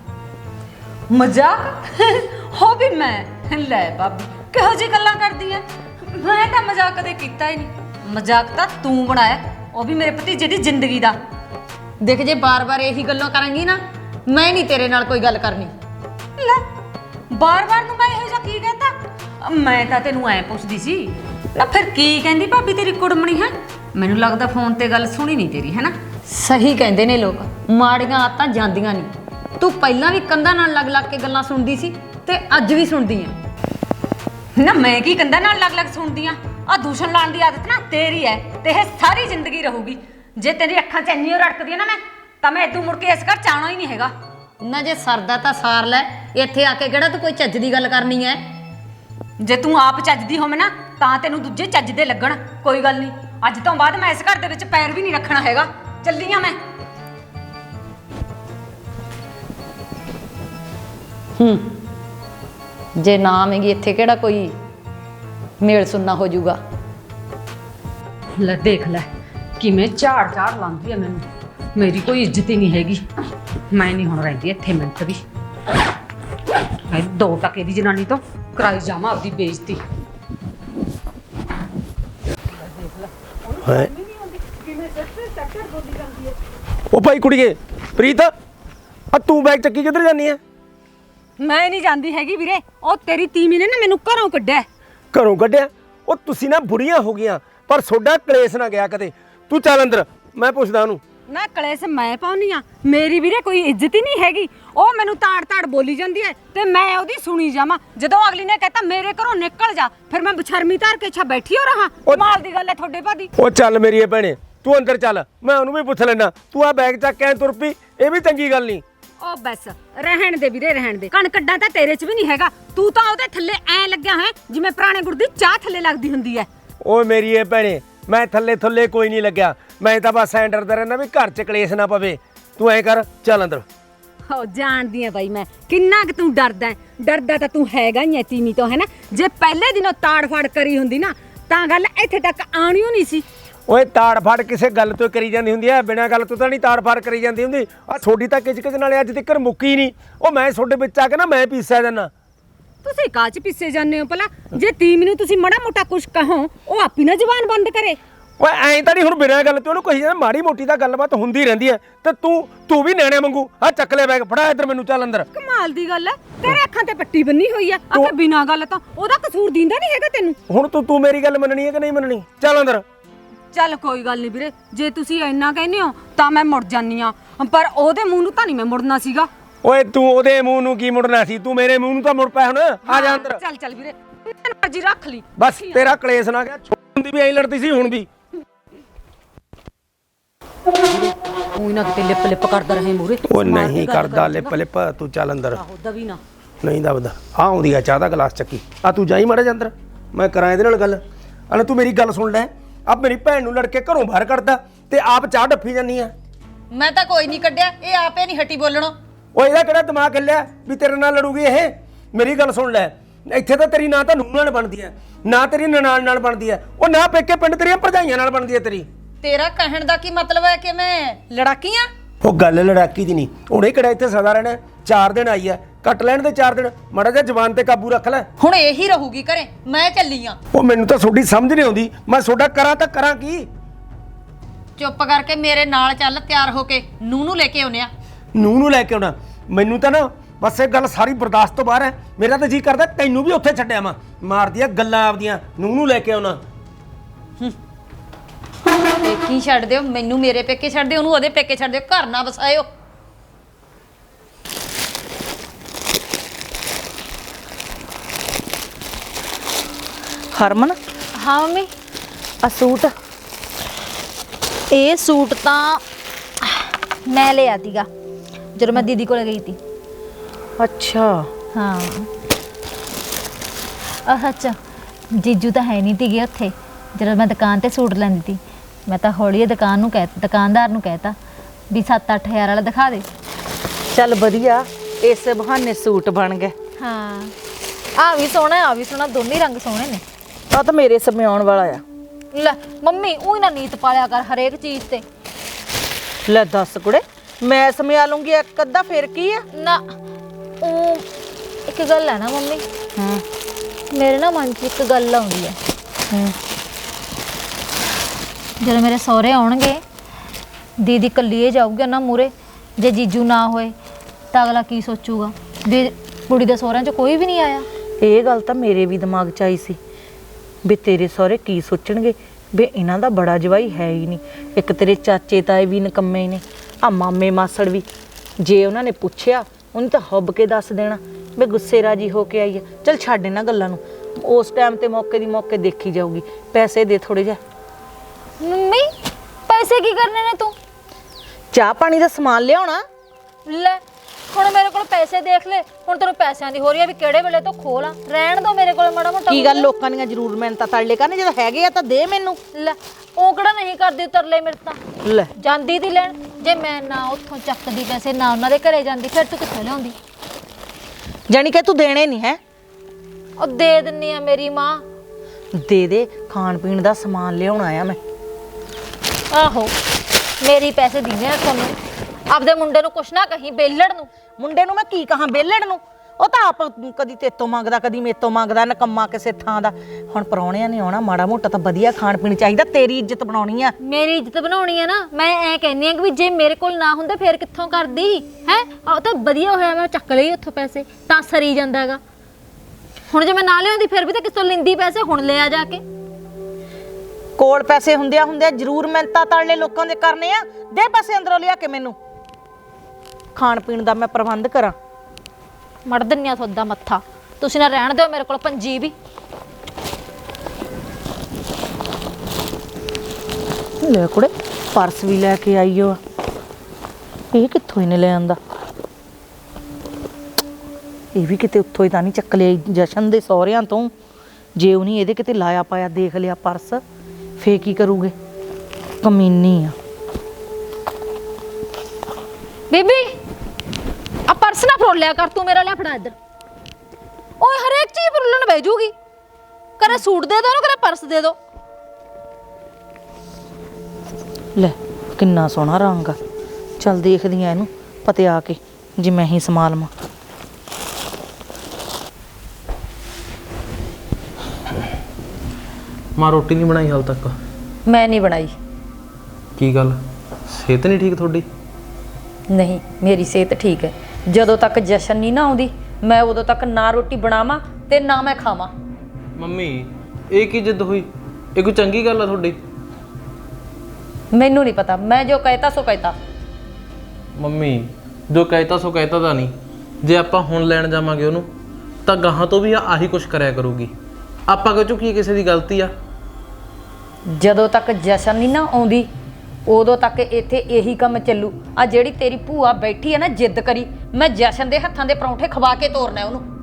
S3: ਮਜ਼ਾਕ ਹੋ ਵੀ ਮੈਂ ਲੈ ਭਾਬੀ ਕਿਹੋ ਜਿਹੀ ਗੱਲਾਂ ਕਰਦੀ ਐ? ਮੈਂ ਤਾਂ ਮਜ਼ਾਕ ਕਦੇ ਕੀਤਾ ਹੀ ਨਹੀਂ। ਮਜ਼ਾਕ ਤਾਂ ਤੂੰ ਬਣਾਇਆ, ਉਹ ਵੀ ਮੇਰੇ ਭਤੀਜੇ ਦੀ ਜ਼ਿੰਦਗੀ ਦਾ।
S6: ਦੇਖ ਜੇ ਬਾਰ-ਬਾਰ ਇਹੀ ਗੱਲਾਂ ਕਰਾਂਗੀ ਨਾ, ਮੈਂ ਨਹੀਂ ਤੇਰੇ ਨਾਲ ਕੋਈ ਗੱਲ ਕਰਨੀ।
S3: ਲੈ ਬਾਰ-ਬਾਰ ਨੂੰ ਮੈਂ ਇਹੋ ਜਿਹਾ ਕੀ ਕਹਿੰਦਾ? ਮੈਂ ਤਾਂ ਤੈਨੂੰ ਐ ਪੁੱਛਦੀ ਸੀ, ਤਾਂ ਫਿਰ ਕੀ ਕਹਿੰਦੀ ਭਾਬੀ ਤੇਰੀ ਕੁੜਮਣੀ ਹੈ? ਮੈਨੂੰ ਲੱਗਦਾ ਫੋਨ ਤੇ ਗੱਲ ਸੁਣੀ ਨਹੀਂ ਤੇਰੀ ਹੈਨਾ?
S6: ਸਹੀ ਕਹਿੰਦੇ ਨੇ ਲੋਕ, ਮਾੜੀਆਂ ਆਦਤਾਂ ਜਾਂਦੀਆਂ ਨਹੀਂ। ਤੂੰ ਪਹਿਲਾਂ ਵੀ ਕੰਧਾਂ ਨਾਲ ਲੱਗ-ਲੱਗ ਕੇ ਗੱਲਾਂ ਸੁਣਦੀ ਸੀ ਤੇ ਅੱਜ ਵੀ ਸੁਣਦੀ ਐ।
S3: ਨਾ ਮੈਂ ਕੀ ਕੰਧਾਂ ਨਾਲ ਲੱਗ-ਲੱਗ ਸੁਣਦੀ ਆ? ਆ ਦੂਸ਼ਣ ਲਾਉਣ ਦੀ ਆਦਤ ਨਾ ਤੇਰੀ ਐ ਤੇ ਇਹ ਸਾਰੀ ਜ਼ਿੰਦਗੀ ਰਹੂਗੀ। ਜੇ ਤੇਰੀ ਅੱਖਾਂ 'ਚ ਇੰਨੀ ਰੜਕਦੀ ਆ ਨਾ ਮੈਂ, ਤਾਂ ਮੈਂ ਇਦੋਂ ਮੁੜ ਕੇ ਇਸ ਘਰ 'ਚ ਆਉਣਾ ਹੀ ਨਹੀਂ ਹੈਗਾ।
S6: ਨਾ ਜੇ ਸਰਦਾ ਤਾਂ ਸਾਰ ਲੈ, ਇੱਥੇ ਆ ਕੇ ਕਿਹੜਾ ਤੂੰ ਕੋਈ ਚੱਜ ਦੀ ਗੱਲ ਕਰਨੀ ਐ?
S3: ਜੇ ਤੂੰ ਆਪ ਚੱਜਦੀ ਹੋਵੇਂ ਨਾ ਤਾਂ ਤੈਨੂੰ ਦੂਜੇ ਚੱਜ ਦੇ ਲੱਗਣ। ਕੋਈ ਗੱਲ ਨਹੀਂ, ਅੱਜ ਤੋਂ ਬਾਅਦ ਮੈਂ ਇਸ ਘਰ ਦੇ ਵਿੱਚ ਪੈਰ ਵੀ ਨਹੀਂ ਰੱਖਣਾ ਹੈਗਾ। ਚੱਲੀ ਆ ਮੈਂ।
S6: ਹੂੰ, ਜੇ ਨਾ ਆਵੇਂਗੀ ਇੱਥੇ ਕਿਹੜਾ ਕੋਈ ਮੇਲ ਸੁਣਨਾ ਹੋ ਜਾਊਗਾ।
S3: ਲੈ ਦੇਖ ਲੈ ਕਿਵੇਂ ਝਾੜ ਝਾੜ ਲਾਉਂਦੀ ਆ ਮੈਨੂੰ। ਮੇਰੀ ਕੋਈ ਇੱਜ਼ਤ ਹੀ ਨਹੀਂ ਹੈਗੀ। ਮੈਂ ਨਹੀਂ ਹੁਣ ਰਹਿੰਦੀ ਇੱਥੇ ਮਿੰਟ ਵੀ। ਮੈਂ ਦੋ ਟਕੇ ਦੀ ਜਨਾਨੀ ਤੋਂ ਕਰਾਈ ਜਾਵਾਂ ਆਪਦੀ ਬੇਇੱਜ਼ਤੀ।
S5: ਹੈ ਉਹ ਭਾਈ ਕੁੜੀਏ ਪ੍ਰੀਤ, ਆ ਤੂੰ ਬੈਗ ਚੱਕੀ ਕਿੱਧਰ ਜਾਨੀ ਐ?
S3: ਮੈਂ ਨਹੀਂ ਜਾਂਦੀ ਹੈਗੀ ਵੀਰੇ, ਉਹ ਤੇਰੀ ਤੀਵੀਂ ਨੇ ਨਾ ਮੈਨੂੰ ਘਰੋਂ ਕੱਢਿਆ।
S5: ਘਰੋਂ ਕੱਢਿਆ? ਉਹ ਤੁਸੀਂ ਨਾ ਬੁੜੀਆਂ ਹੋ ਗਈਆਂ, ਪਰ ਤੁਹਾਡਾ ਕਲੇਸ਼ ਨਾ ਗਿਆ ਕਦੇ। ਤੂੰ ਚੱਲ ਅੰਦਰ, ਮੈਂ ਪੁੱਛਦਾ ਉਹਨੂੰ।
S3: ਨਾ ਕਲੇਸ਼ ਮੈਂ ਪਾਉਣੀ ਆ? ਮੇਰੀ ਵੀਰੇ ਕੋਈ ਇੱਜ਼ਤ ਹੀ ਨਹੀਂ ਹੈਗੀ। ਉਹ ਮੈਨੂੰ ਤਾੜ ਤਾੜ ਬੋਲੀ ਜਾਂਦੀ ਹੈ ਤੇ ਮੈਂ ਉਹਦੀ ਸੁਣੀ ਜਾਵਾਂ। ਜਦੋਂ ਅਗਲੀ ਨੇ ਕਹਿਤਾ ਮੇਰੇ ਘਰੋਂ ਨਿਕਲ ਜਾ, ਫਿਰ ਮੈਂ ਬਛਰਮੀ ਧਾਰ ਕੇ ਛਾ ਬੈਠੀ ਹੋ ਰਹਾ। ਕਮਾਲ ਦੀ ਗੱਲ ਹੈ ਤੁਹਾਡੇ ਭਾਦੀ।
S5: ਉਹ ਚੱਲ ਮੇਰੀਏ ਭੈਣੇ, ਤੂੰ ਅੰਦਰ ਚੱਲ, ਮੈਂ ਉਹਨੂੰ ਵੀ ਪੁੱਛ ਲੈਣਾ। ਤੂੰ ਆ ਬੈਗ ਚੱਕ ਕੇ ਤੁਰ ਪਈ, ਇਹ ਵੀ ਚੰਗੀ ਗੱਲ ਨਹੀਂ।
S3: ਉਹ ਬਸ ਰਹਿਣ ਦੇ ਵੀਰੇ, ਰਹਿਣ ਦੇ। ਕਣ ਕੱਢਾਂ ਤਾਂ ਤੇਰੇ 'ਚ ਵੀ ਨਹੀਂ ਹੈਗਾ। ਤੂੰ ਤਾਂ ਉਹਦੇ ਥੱਲੇ ਐ ਲੱਗਿਆ ਹੈ ਜਿਵੇਂ ਪੁਰਾਣੇ ਗੁੜ ਦੀ ਚਾਹ ਥੱਲੇ ਲੱਗਦੀ ਹੁੰਦੀ ਹੈ।
S5: ਓਏ ਮੇਰੀਏ ਭੈਣੇ, ਮੈਂ ਥੱਲੇ ਥੱਲੇ ਕੋਈ ਨਹੀਂ ਲੱਗਿਆ। ਮੈਂ ਤਾਂ ਬਸ ਐਂ ਡਰਦਾ ਰਹਿਣਾ ਵੀ ਘਰ 'ਚ ਕਲੇਸ਼ ਨਾ ਪਵੇ। ਤੂੰ ਐਂ ਕਰ, ਚੱਲ ਅੰਦਰ।
S3: ਹੋ ਜਾਣਦੀ ਆ ਬਾਈ ਮੈਂ ਕਿੰਨਾ ਕਿ ਤੂੰ ਡਰਦਾ ਹੈ। ਡਰਦਾ ਤਾਂ ਤੂੰ ਹੈਗਾ ਹੀ ਐ ਤੀਵੀਂ ਤੋਂ, ਹੈ ਨਾ? ਜੇ ਪਹਿਲੇ ਦਿਨੋਂ ਤਾੜ ਫਾੜ ਕਰੀ ਹੁੰਦੀ ਨਾ ਤਾਂ ਗੱਲ ਇੱਥੇ ਤੱਕ ਆਉਣੀ ਓ ਨਹੀਂ ਸੀ।
S5: ਓਏ ਤਾੜ ਫਾੜ ਕਿਸੇ ਗੱਲ ਤੋਂ ਕਰੀ ਜਾਂਦੀ ਹੁੰਦੀ ਐ, ਬਿਨਾਂ ਗੱਲ ਤੋਂ ਤਾਂ ਨਹੀਂ ਤਾੜ ਫਾੜ ਕਰੀ ਜਾਂਦੀ ਹੁੰਦੀ। ਆ ਛੋਡੀ ਤਾਂ ਕਿਚ ਕਿਚ ਨਾਲੇ ਅੱਜ ਤੱਕ ਮੁੱਕੀ ਨਹੀਂ। ਉਹ ਮੈਂ ਤੁਹਾਡੇ ਵਿੱਚ ਆ ਕੇ ਨਾ ਮੈਂ ਪੀਸਿਆ ਜਾਨਾ।
S3: ਤੁਸੀਂ ਕਾਚ ਪਿੱਛੇ ਜਾਂਦੇ ਹੋ ਭਲਾ? ਜੇ ਤੀਵੀਂ ਨੂੰ ਤੁਸੀਂ ਮਾੜਾ ਮੋਟਾ ਕੁਝ ਕਹੋ, ਉਹ ਆਪੀ ਨਾ ਜ਼ਬਾਨ ਬੰਦ ਕਰੇ।
S5: ਓਏ ਐਂ ਤਾਂ ਨਹੀਂ ਹੁਣ ਬਿਨਾਂ ਗੱਲ ਤੋਂ ਉਹਨੂੰ ਕਹੀ ਜਾਂਦਾ। ਮਾੜੀ ਮੋਟੀ ਤਾਂ ਗੱਲਬਾਤ ਹੁੰਦੀ ਰਹਿੰਦੀ ਐ। ਤੇ ਤੂੰ ਤੂੰ ਵੀ ਨਿਆਣਿਆਂ ਵਾਂਗੂ ਆ ਚੱਕ ਲੈ ਬੈਗ, ਫੜਾ ਇੱਧਰ ਮੈਨੂੰ, ਚੱਲ ਅੰਦਰ।
S3: ਕਮਾਲ ਦੀ ਗੱਲ ਹੈ, ਤੇਰੇ ਅੱਖਾਂ ਤੇ ਪੱਟੀ ਬੰਨੀ ਹੋਈ ਆ। ਆ ਕੇ ਬਿਨਾਂ ਗੱਲ ਤਾਂ ਉਹਦਾ ਕਸੂਰ ਦਿੰਦਾ ਨਹੀਂ ਹੈਗਾ ਤੈਨੂੰ।
S5: ਹੁਣ ਤੂੰ ਤੂੰ ਮੇਰੀ ਗੱਲ ਮੰਨਣੀ ਹੈ ਕਿ ਨਹੀਂ ਮੰਨਣੀ? ਚੱਲ ਅੰਦਰ।
S3: ਚੱਲ ਕੋਈ ਗੱਲ ਨਹੀਂ ਵੀਰੇ, ਜੇ ਤੁਸੀਂ ਇੰਨਾ ਕਹਿੰਦੇ ਹੋ ਤਾਂ ਮੈਂ ਮੁੜ ਜਾਨੀ ਆ, ਪਰ ਉਹਦੇ ਮੂੰਹ ਨੂੰ ਤਾਂ ਨਹੀਂ ਮੈਂ ਮੁੜਨਾ ਸੀਗਾ।
S5: ਓਏ ਤੂੰ ਉਹਦੇ ਮੂੰਹ ਨੂੰ ਕੀ ਮੁੜਨਾ ਸੀ? ਤੂੰ ਮੇਰੇ ਮੂੰਹ ਨੂੰ ਤਾਂ ਮੁੜ ਪਿਆ ਹੁਣ। ਆ ਜਾ ਅੰਦਰ।
S3: ਚੱਲ ਚੱਲ ਵੀਰੇ, ਤੈਨੂੰ ਮਰਜ਼ੀ ਰੱਖ ਲਈ।
S5: ਬਸ ਤੇਰਾ ਕਲੇਸ਼ ਨਾ ਗਿਆ। ਛੋਟੀ ਵੀ ਐਂ ਲੜਦੀ ਸੀ, ਹੁਣ ਵੀ।
S3: ਕੋਈ ਨਾ ਕਿਤੇ ਲਿਪ ਲਿਪ ਕਰਦਾ ਰਹੇ ਮੂਰੇ।
S5: ਉਹ ਨਹੀਂ ਕਰਦਾ ਲਿਪ ਲਿਪ। ਤੂੰ ਚੱਲ ਅੰਦਰ।
S3: ਆਹੋ ਦਵੀ ਨਾ।
S5: ਨਹੀਂ ਦਬਦਾ। ਆ ਆਉਂਦੀ ਆ ਚਾਹ ਦਾ ਗਲਾਸ ਚੱਕੀ। ਆ ਤੂੰ ਜਾਈ ਮਾੜਾ ਜਿਹਾ ਅੰਦਰ, ਮੈਂ ਕਰਾਂ ਇਹਦੇ ਨਾਲ ਗੱਲ। ਅਲੇ ਤੂੰ ਮੇਰੀ ਗੱਲ ਸੁਣ ਲੈ। ਆ ਮੇਰੀ ਭੈਣ ਨੂੰ ਲੜ ਕੇ ਘਰੋਂ ਬਾਹਰ ਕੱਢਦਾ ਤੇ ਆਪ ਚਾਹ ਡੱਫੀ ਜਾਂਦੀ ਆ।
S6: ਮੈਂ ਤਾਂ ਕੋਈ ਨਹੀਂ ਕੱਢਿਆ, ਇਹ ਆਪੇ ਨਹੀਂ ਹਟੀ ਬੋਲਣੋਂ।
S5: ਉਹ ਇਹਦਾ ਕਿਹੜਾ ਦਿਮਾਗ ਹਿੱਲਿਆ ਵੀ ਤੇਰੇ ਨਾਲ ਲੜੂਗੀ ਇਹ? ਮੇਰੀ ਗੱਲ ਸੁਣ ਲੈ, ਇੱਥੇ ਤਾਂ ਤੇਰੀ ਨਾ ਤਾਂ ਨੂੰਹ ਨਾਲ ਬਣਦੀ ਐ, ਨਾ ਤੇਰੀ ਨਨਾਣ ਨਾਲ ਬਣਦੀ ਐ, ਉਹ ਨਾ ਪੇਕੇ ਪਿੰਡ ਤੇਰੀਆਂ ਭਰਜਾਈਆਂ ਨਾਲ ਬਣਦੀ ਐ ਤੇਰੀ।
S6: ਤੇਰਾ ਕਹਿਣ ਦਾ ਕੀ ਮਤਲਬ ਹੈ ਕਿ ਮੈਂ ਲੜਾਕੀ ਆ?
S5: ਉਹ ਗੱਲ ਲੜਾਕੀ ਦੀ ਨਹੀਂ, ਹੁਣੇ ਕਿਹੜਾ ਇੱਥੇ ਸਦਾ ਰਹਿਣਾ, ਚਾਰ ਦਿਨ ਆਈ ਐ, ਕੱਟ ਲੈਣ ਦੇ ਚਾਰ ਦਿਨ, ਮਾੜਾ ਜਿਹਾ ਜ਼ਬਾਨ ਤੇ ਕਾਬੂ ਰੱਖ ਲੈ।
S6: ਹੁਣ ਇਹੀ ਰਹੂਗੀ ਘਰੇ, ਮੈਂ ਚੱਲੀ ਆ।
S5: ਉਹ ਮੈਨੂੰ ਤਾਂ ਤੁਹਾਡੀ ਸਮਝ ਨਹੀਂ ਆਉਂਦੀ, ਮੈਂ ਤੁਹਾਡਾ ਕਰਾਂ ਤਾਂ ਕਰਾਂ ਕੀ?
S6: ਚੁੱਪ ਕਰਕੇ ਮੇਰੇ ਨਾਲ ਚੱਲ, ਤਿਆਰ ਹੋ ਕੇ ਨੂੰ ਨੂੰ ਲੈ ਕੇ ਆਉਨੇ ਆ।
S5: ਨੂੰਹ ਨੂੰ ਲੈ ਕੇ ਆਉਣਾ? ਮੈਨੂੰ ਤਾਂ ਨਾ ਬਸ ਇਹ ਗੱਲ ਸਾਰੀ ਬਰਦਾਸ਼ਤ ਤੋਂ ਬਾਹਰ ਹੈ। ਮੇਰਾ ਤਾਂ ਜੀ ਕਰਦਾ ਤੈਨੂੰ ਵੀ ਉੱਥੇ ਛੱਡਿਆ ਵਾਂ, ਮਾਰਦੀਆਂ ਗੱਲਾਂ ਆਪਦੀਆਂ, ਨੂੰਹ ਨੂੰ ਲੈ ਕੇ ਆਉਣਾ।
S6: ਤੇ ਕੀ ਛੱਡ ਦਿਓ ਮੈਨੂੰ, ਮੇਰੇ ਪੇਕੇ ਛੱਡ ਦਿਓ, ਉਹਨੂੰ ਉਹਦੇ ਪੇਕੇ ਛੱਡ ਦਿਓ, ਘਰ ਨਾ ਵਸਾਇਓ।
S1: ਹਰਮਨ,
S9: ਹਾਂ ਮੰਮੀ,
S1: ਆ ਸੂਟ
S9: ਇਹ ਸੂਟ ਤਾਂ ਮੈਂ ਲਿਆ ਤੀਗਾ ਜਦੋਂ ਮੈਂ ਦੀਦੀ ਕੋਲ ਗਈ ਸੀ।
S1: ਅੱਛਾ,
S9: ਹਾਂ ਆਹ ਅੱਛਾ, ਜੀਜੂ ਤਾਂ ਹੈ ਨਹੀਂ ਤੀਗੇ ਉੱਥੇ ਜਦੋਂ ਮੈਂ ਦੁਕਾਨ ਤੇ ਸੂਟ ਲੈਂਦੀ ਸੀ। ਮੈਂ ਤਾਂ ਹੌਲੀ ਦੁਕਾਨ ਨੂੰ ਕਹਿ ਦੁਕਾਨਦਾਰ ਨੂੰ ਕਹਿਤਾ ਵੀ ਸੱਤ ਅੱਠ ਹਜ਼ਾਰ ਵਾਲਾ ਦਿਖਾ ਦੇ।
S1: ਚੱਲ ਵਧੀਆ, ਇਸੇ ਬਹਾਨੇ ਸੂਟ ਬਣ ਗਏ।
S9: ਹਾਂ, ਆ ਵੀ ਸੋਹਣਾ, ਆ ਵੀ ਸੋਹਣਾ, ਦੋਨੇ ਰੰਗ ਸੋਹਣੇ ਨੇ।
S1: ਆ ਤਾਂ ਮੇਰੇ ਸਮਿਆਉਣ ਵਾਲਾ ਆ।
S9: ਲੈ ਮੰਮੀ, ਉਹ ਨਾ ਨੀਤ ਪਾਲਿਆ ਕਰ ਹਰੇਕ ਚੀਜ਼ ਤੇ।
S1: ਲੈ ਦੱਸ ਕੁੜੇ, ਮੈਂ ਸਮਿਆ ਲੂੰਗੀ ਇੱਕ ਅੱਧਾ, ਫਿਰ ਕੀ ਆ?
S9: ਨਾ ਉਹ ਇੱਕ ਗੱਲ ਹੈ ਨਾ ਮੰਮੀ,
S1: ਹਾਂ,
S9: ਮੇਰੇ ਨਾ ਮਨ 'ਚ ਇੱਕ ਗੱਲ ਆਉਂਦੀ ਹੈ।
S1: ਹਾਂ,
S9: ਜਦੋਂ ਮੇਰੇ ਸਹੁਰੇ ਆਉਣਗੇ, ਦੀਦੀ ਇਕੱਲੀ ਜਾਊਗੀ ਉਹਨਾਂ ਮੂਹਰੇ, ਜੇ ਜੀਜੂ ਨਾ ਹੋਏ ਤਾਂ ਅਗਲਾ ਕੀ ਸੋਚੂਗਾ ਵੀ ਕੁੜੀ ਦੇ ਸਹੁਰਿਆਂ 'ਚ ਕੋਈ ਵੀ ਨਹੀਂ ਆਇਆ।
S1: ਇਹ ਗੱਲ ਤਾਂ ਮੇਰੇ ਵੀ ਦਿਮਾਗ 'ਚ ਆਈ ਸੀ ਵੀ ਤੇਰੇ ਸਹੁਰੇ ਕੀ ਸੋਚਣਗੇ ਵੀ ਇਹਨਾਂ ਦਾ ਬੜਾ ਜਵਾਈ ਹੈ ਹੀ ਨਹੀਂ। ਇੱਕ ਤੇਰੇ ਚਾਚੇ ਤਾਏ ਵੀ ਨਿਕੰਮੇ ਨੇ, ਆ ਮਾਮੇ ਮਾਸੜ ਵੀ। ਜੇ ਉਹਨਾਂ ਨੇ ਪੁੱਛਿਆ ਉਹਨੂੰ ਤਾਂ ਹੁੱਬ ਕੇ ਦੱਸ ਦੇਣਾ ਵੀ ਗੁੱਸੇ ਰਾਜੀ ਹੋ ਕੇ ਆਈ ਹੈ। ਚੱਲ ਛੱਡ ਇਹਨਾਂ ਗੱਲਾਂ ਨੂੰ, ਉਸ ਟਾਈਮ ਤੇ ਮੌਕੇ ਦੀ ਮੌਕੇ ਦੇਖੀ ਜਾਊਗੀ। ਪੈਸੇ ਦੇ ਥੋੜੇ ਜਿਹਾ।
S9: ਮੰਮੀ ਪੈਸੇ ਕੀ ਕਰਨੇ ਨੇ ਤੂੰ?
S1: ਚਾਹ ਪਾਣੀ ਦਾ ਸਮਾਨ ਲਿਆਉਣਾ।
S9: ਲੈ ਹੁਣ ਮੇਰੇ ਕੋਲ ਪੈਸੇ ਦੇਖ ਲੈ, ਹੁਣ ਤੈਨੂੰ ਪੈਸਿਆਂ ਦੀ ਹੋ ਰਹੀ ਹੈ ਵੀ ਕਿਹੜੇ ਵੇਲੇ ਤੋਂ ਖੋਲਾਂ। ਰਹਿਣ ਦੋ ਮੇਰੇ ਕੋਲ ਮਾੜਾ ਮੋਟਾ।
S1: ਕੀ ਗੱਲ, ਲੋਕਾਂ ਦੀਆਂ ਜ਼ਰੂਰ ਮਿਹਨਤਾਂ ਤੜਲੇ ਕਰਨੇ, ਜਦੋਂ ਹੈਗੇ ਆ ਤਾਂ ਦੇ ਮੈਨੂੰ।
S9: ਲੈ ਉਹ ਕਿਹੜਾ ਨਹੀਂ ਕਰਦੀ ਤਰਲੇ ਮੇਰੇ ਤਾਂ।
S1: ਲੈ
S9: ਜਾਂਦੀ ਤੀ ਲੈਣ, ਜੇ ਮੈਂ ਨਾ ਉੱਥੋਂ ਚੱਕਦੀ ਪੈਸੇ, ਨਾ ਉਹਨਾਂ ਦੇ ਘਰੇ ਜਾਂਦੀ, ਫਿਰ ਤੂੰ ਕਿੱਥੇ ਲਿਆਉਂਦੀ?
S1: ਜਾਣੀ ਕਿ ਤੂੰ ਦੇਣੇ ਨਹੀਂ ਹੈ?
S9: ਉਹ ਦੇ ਦਿੰਨੀ ਆ ਮੇਰੀ ਮਾਂ।
S1: ਦੇ ਦੇ, ਖਾਣ ਪੀਣ ਦਾ ਸਮਾਨ ਲਿਆਉਣਾ ਆ ਮੈਂ।
S9: ਆਹੋ, ਮੇਰੀ ਪੈਸੇ ਦੀਨੇ ਆ ਤੁਹਾਨੂੰ। ਆਪਦੇ ਮੁੰਡੇ ਨੂੰ ਕੁਛ ਨਾ ਕਹੀਂ, ਬੇਲੜ ਨੂੰ।
S1: ਮੁੰਡੇ ਨੂੰ ਮੈਂ ਕੀ ਕਹਾਂ, ਬੇਲੜ ਨੂੰ? ਉਹ ਤਾਂ ਆਪ ਕਦੀ ਤੇਤੋਂ ਮੰਗਦਾ, ਕਦੀ ਮੇਤੋਂ ਮੰਗਦਾ, ਨਕੰਮਾ ਕਿਸੇ ਥਾਂ ਦਾ। ਹੁਣ ਪਰੌਣਿਆਂ ਨੇ ਆਉਣਾ, ਮਾੜਾ ਮੋਟਾ ਤਾਂ ਵਧੀਆ ਖਾਣ ਪੀਣ ਚਾਹੀਦਾ। ਤੇਰੀ ਇੱਜ਼ਤ ਬਣਾਉਣੀ ਆ।
S9: ਮੇਰੀ ਇੱਜ਼ਤ ਬਣਾਉਣੀ ਆ ਨਾ, ਮੈਂ ਐ ਕਹਿੰਨੀ ਆ ਕਿ ਵੀ ਜੇ ਮੇਰੇ ਕੋਲ ਨਾ ਹੁੰਦਾ ਫੇਰ ਕਿੱਥੋਂ ਕਰਦੀ ਹੈ? ਉਹ ਤਾਂ ਵਧੀਆ ਹੋਇਆ ਮੈਂ ਚੱਕ ਲਈ ਉੱਥੋਂ ਪੈਸੇ, ਤਾਂ ਸਰੀ ਜਾਂਦਾ ਹੈਗਾ। ਹੁਣ ਜੇ ਮੈਂ ਨਾ ਲਿਆਉਂਦੀ ਫਿਰ ਵੀ ਤਾਂ ਕਿਸੋਂ ਲਿੰਦੀ ਪੈਸੇ, ਹੁਣ ਲਿਆ ਜਾ ਕੇ।
S1: ਕੋਲ ਪੈਸੇ ਹੁੰਦਿਆਂ ਹੁੰਦਿਆਂ ਜ਼ਰੂਰ ਮਿਹਨਤਾਂ ਤੜਲੇ ਲੋਕਾਂ ਦੇ ਕਰਨੇ ਆ। ਦੇ ਪੈਸੇ ਅੰਦਰੋਂ ਲਿਆ ਕੇ ਮੈਨੂੰ, ਖਾਣ ਪੀਣ ਦਾ ਮੈਂ ਪ੍ਰਬੰਧ ਕਰਾਂ।
S9: ਮੜ ਦਿੰਨੀ ਤੁਹਾਡਾ ਮੱਥਾ, ਤੁਸੀਂ ਨਾ ਰਹਿਣ ਦਿਓ ਮੇਰੇ ਕੋਲ ਪੰਜੀ ਵੀ।
S1: ਲੈ ਕੁੜੇ, ਪਰਸ ਵੀ ਲੈ ਕੇ ਆਈ ਓ। ਇਹ ਕਿੱਥੋਂ ਇਹਨੇ ਲੈ ਆਂਦਾ? ਇਹ ਵੀ ਕਿਤੇ ਉੱਥੋਂ ਹੀ ਤਾਂ ਨਹੀਂ ਚੱਕ ਲਿਆ ਜਸ਼ਨ ਦੇ ਸਹੁਰਿਆਂ ਤੋਂ। ਜੇ ਉਹਨੇ ਇਹਦੇ ਕਿਤੇ ਲਾਇਆ ਪਾਇਆ ਦੇਖ ਲਿਆ ਪਰਸ, ਫੇਰ ਕੀ ਕਰੂਗੇ? ਕਮੀਨੀ ਆ।
S9: ਬੀਬੀ ਆ ਪਰਸ ਨਾ ਫਰੋਲ ਲਿਆ ਕਰ ਤੂੰ ਮੇਰਾ, ਲਿਆ ਫੜਾ ਇੱਧਰ। ਓਏ ਹਰੇਕ ਚੀਜ਼ ਫਰੋਲਣ ਬਹਿ ਜੂਗੀ, ਕਰੇ ਸੂਟ ਦੇ ਦੋ, ਕਰੇ ਪਰਸ ਦੇ ਦੋ।
S1: ਲੈ ਕਿੰਨਾ ਸੋਹਣਾ ਰੰਗ ਆ। ਚੱਲ ਦੇਖਦੀ ਆ ਇਹਨੂੰ ਪਤੇ ਆ ਕੇ, ਜੇ ਮੈਂ ਹੀ ਸੰਭਾਲ ਲਵਾਂ।
S4: ਮਾਂ ਰੋਟੀ ਨਹੀਂ ਬਣਾਈ ਹਾਲ ਤੱਕ?
S6: ਮੈਂ ਨਹੀਂ ਬਣਾਈ।
S4: ਕੀ ਗੱਲ, ਸਿਹਤ ਨਹੀਂ ਠੀਕ ਤੁਹਾਡੀ?
S6: ਨਹੀਂ, ਮੇਰੀ ਸਿਹਤ ਠੀਕ ਹੈ। ਜਦੋਂ ਤੱਕ ਜਸ਼ਨ ਨਹੀਂ ਨਾ ਆਉਂਦੀ, ਮੈਂ ਉਦੋਂ ਤੱਕ ਨਾ ਰੋਟੀ ਬਣਾਵਾਂ ਤੇ ਨਾ ਮੈਂ ਖਾਵਾਂ।
S4: ਮੰਮੀ ਇਹ ਕੀ ਜਿੱਦ ਹੋਈ? ਇਹ ਕੋਈ ਚੰਗੀ ਗੱਲ ਆ ਤੁਹਾਡੀ?
S6: ਮੈਨੂੰ ਨਹੀਂ ਪਤਾ, ਮੈਂ ਜੋ ਕਹਿਤਾ ਸੋ ਕਹਿਤਾ।
S4: ਮੰਮੀ ਜੋ ਕਹਿਤਾ ਸੋ ਕਹਿਤਾ ਤਾਂ ਨਹੀਂ। ਜੇ ਆਪਾਂ ਹੁਣ ਲੈਣ ਜਾਵਾਂਗੇ ਉਹਨੂੰ, ਤਾਂ ਗਾਹਾਂ ਤੋਂ ਵੀ ਆਹੀ ਕੁਛ ਕਰਿਆ ਕਰੂਗੀ। ਆਪਾਂ ਕਿਉਂ ਚੁੱਕੀ ਕਿਸੇ ਦੀ ਗਲਤੀ ਆ?
S6: ਜਦੋਂ ਤੱਕ ਜਸ਼ਨ ਨਹੀਂ ਨਾ ਆਉਂਦੀ, ਉਦੋਂ ਤੱਕ ਇੱਥੇ ਇਹੀ ਕੰਮ ਚੱਲੂ। ਆ ਜਿਹੜੀ ਤੇਰੀ ਭੂਆ ਬੈਠੀ ਹੈ ਨਾ ਜਿੱਦ ਕਰੀ, ਮੈਂ ਜਸ਼ਨ ਦੇ ਹੱਥਾਂ ਦੇ ਪਰੌਂਠੇ ਖਵਾ ਕੇ ਤੋਰਨਾ ਉਹਨੂੰ।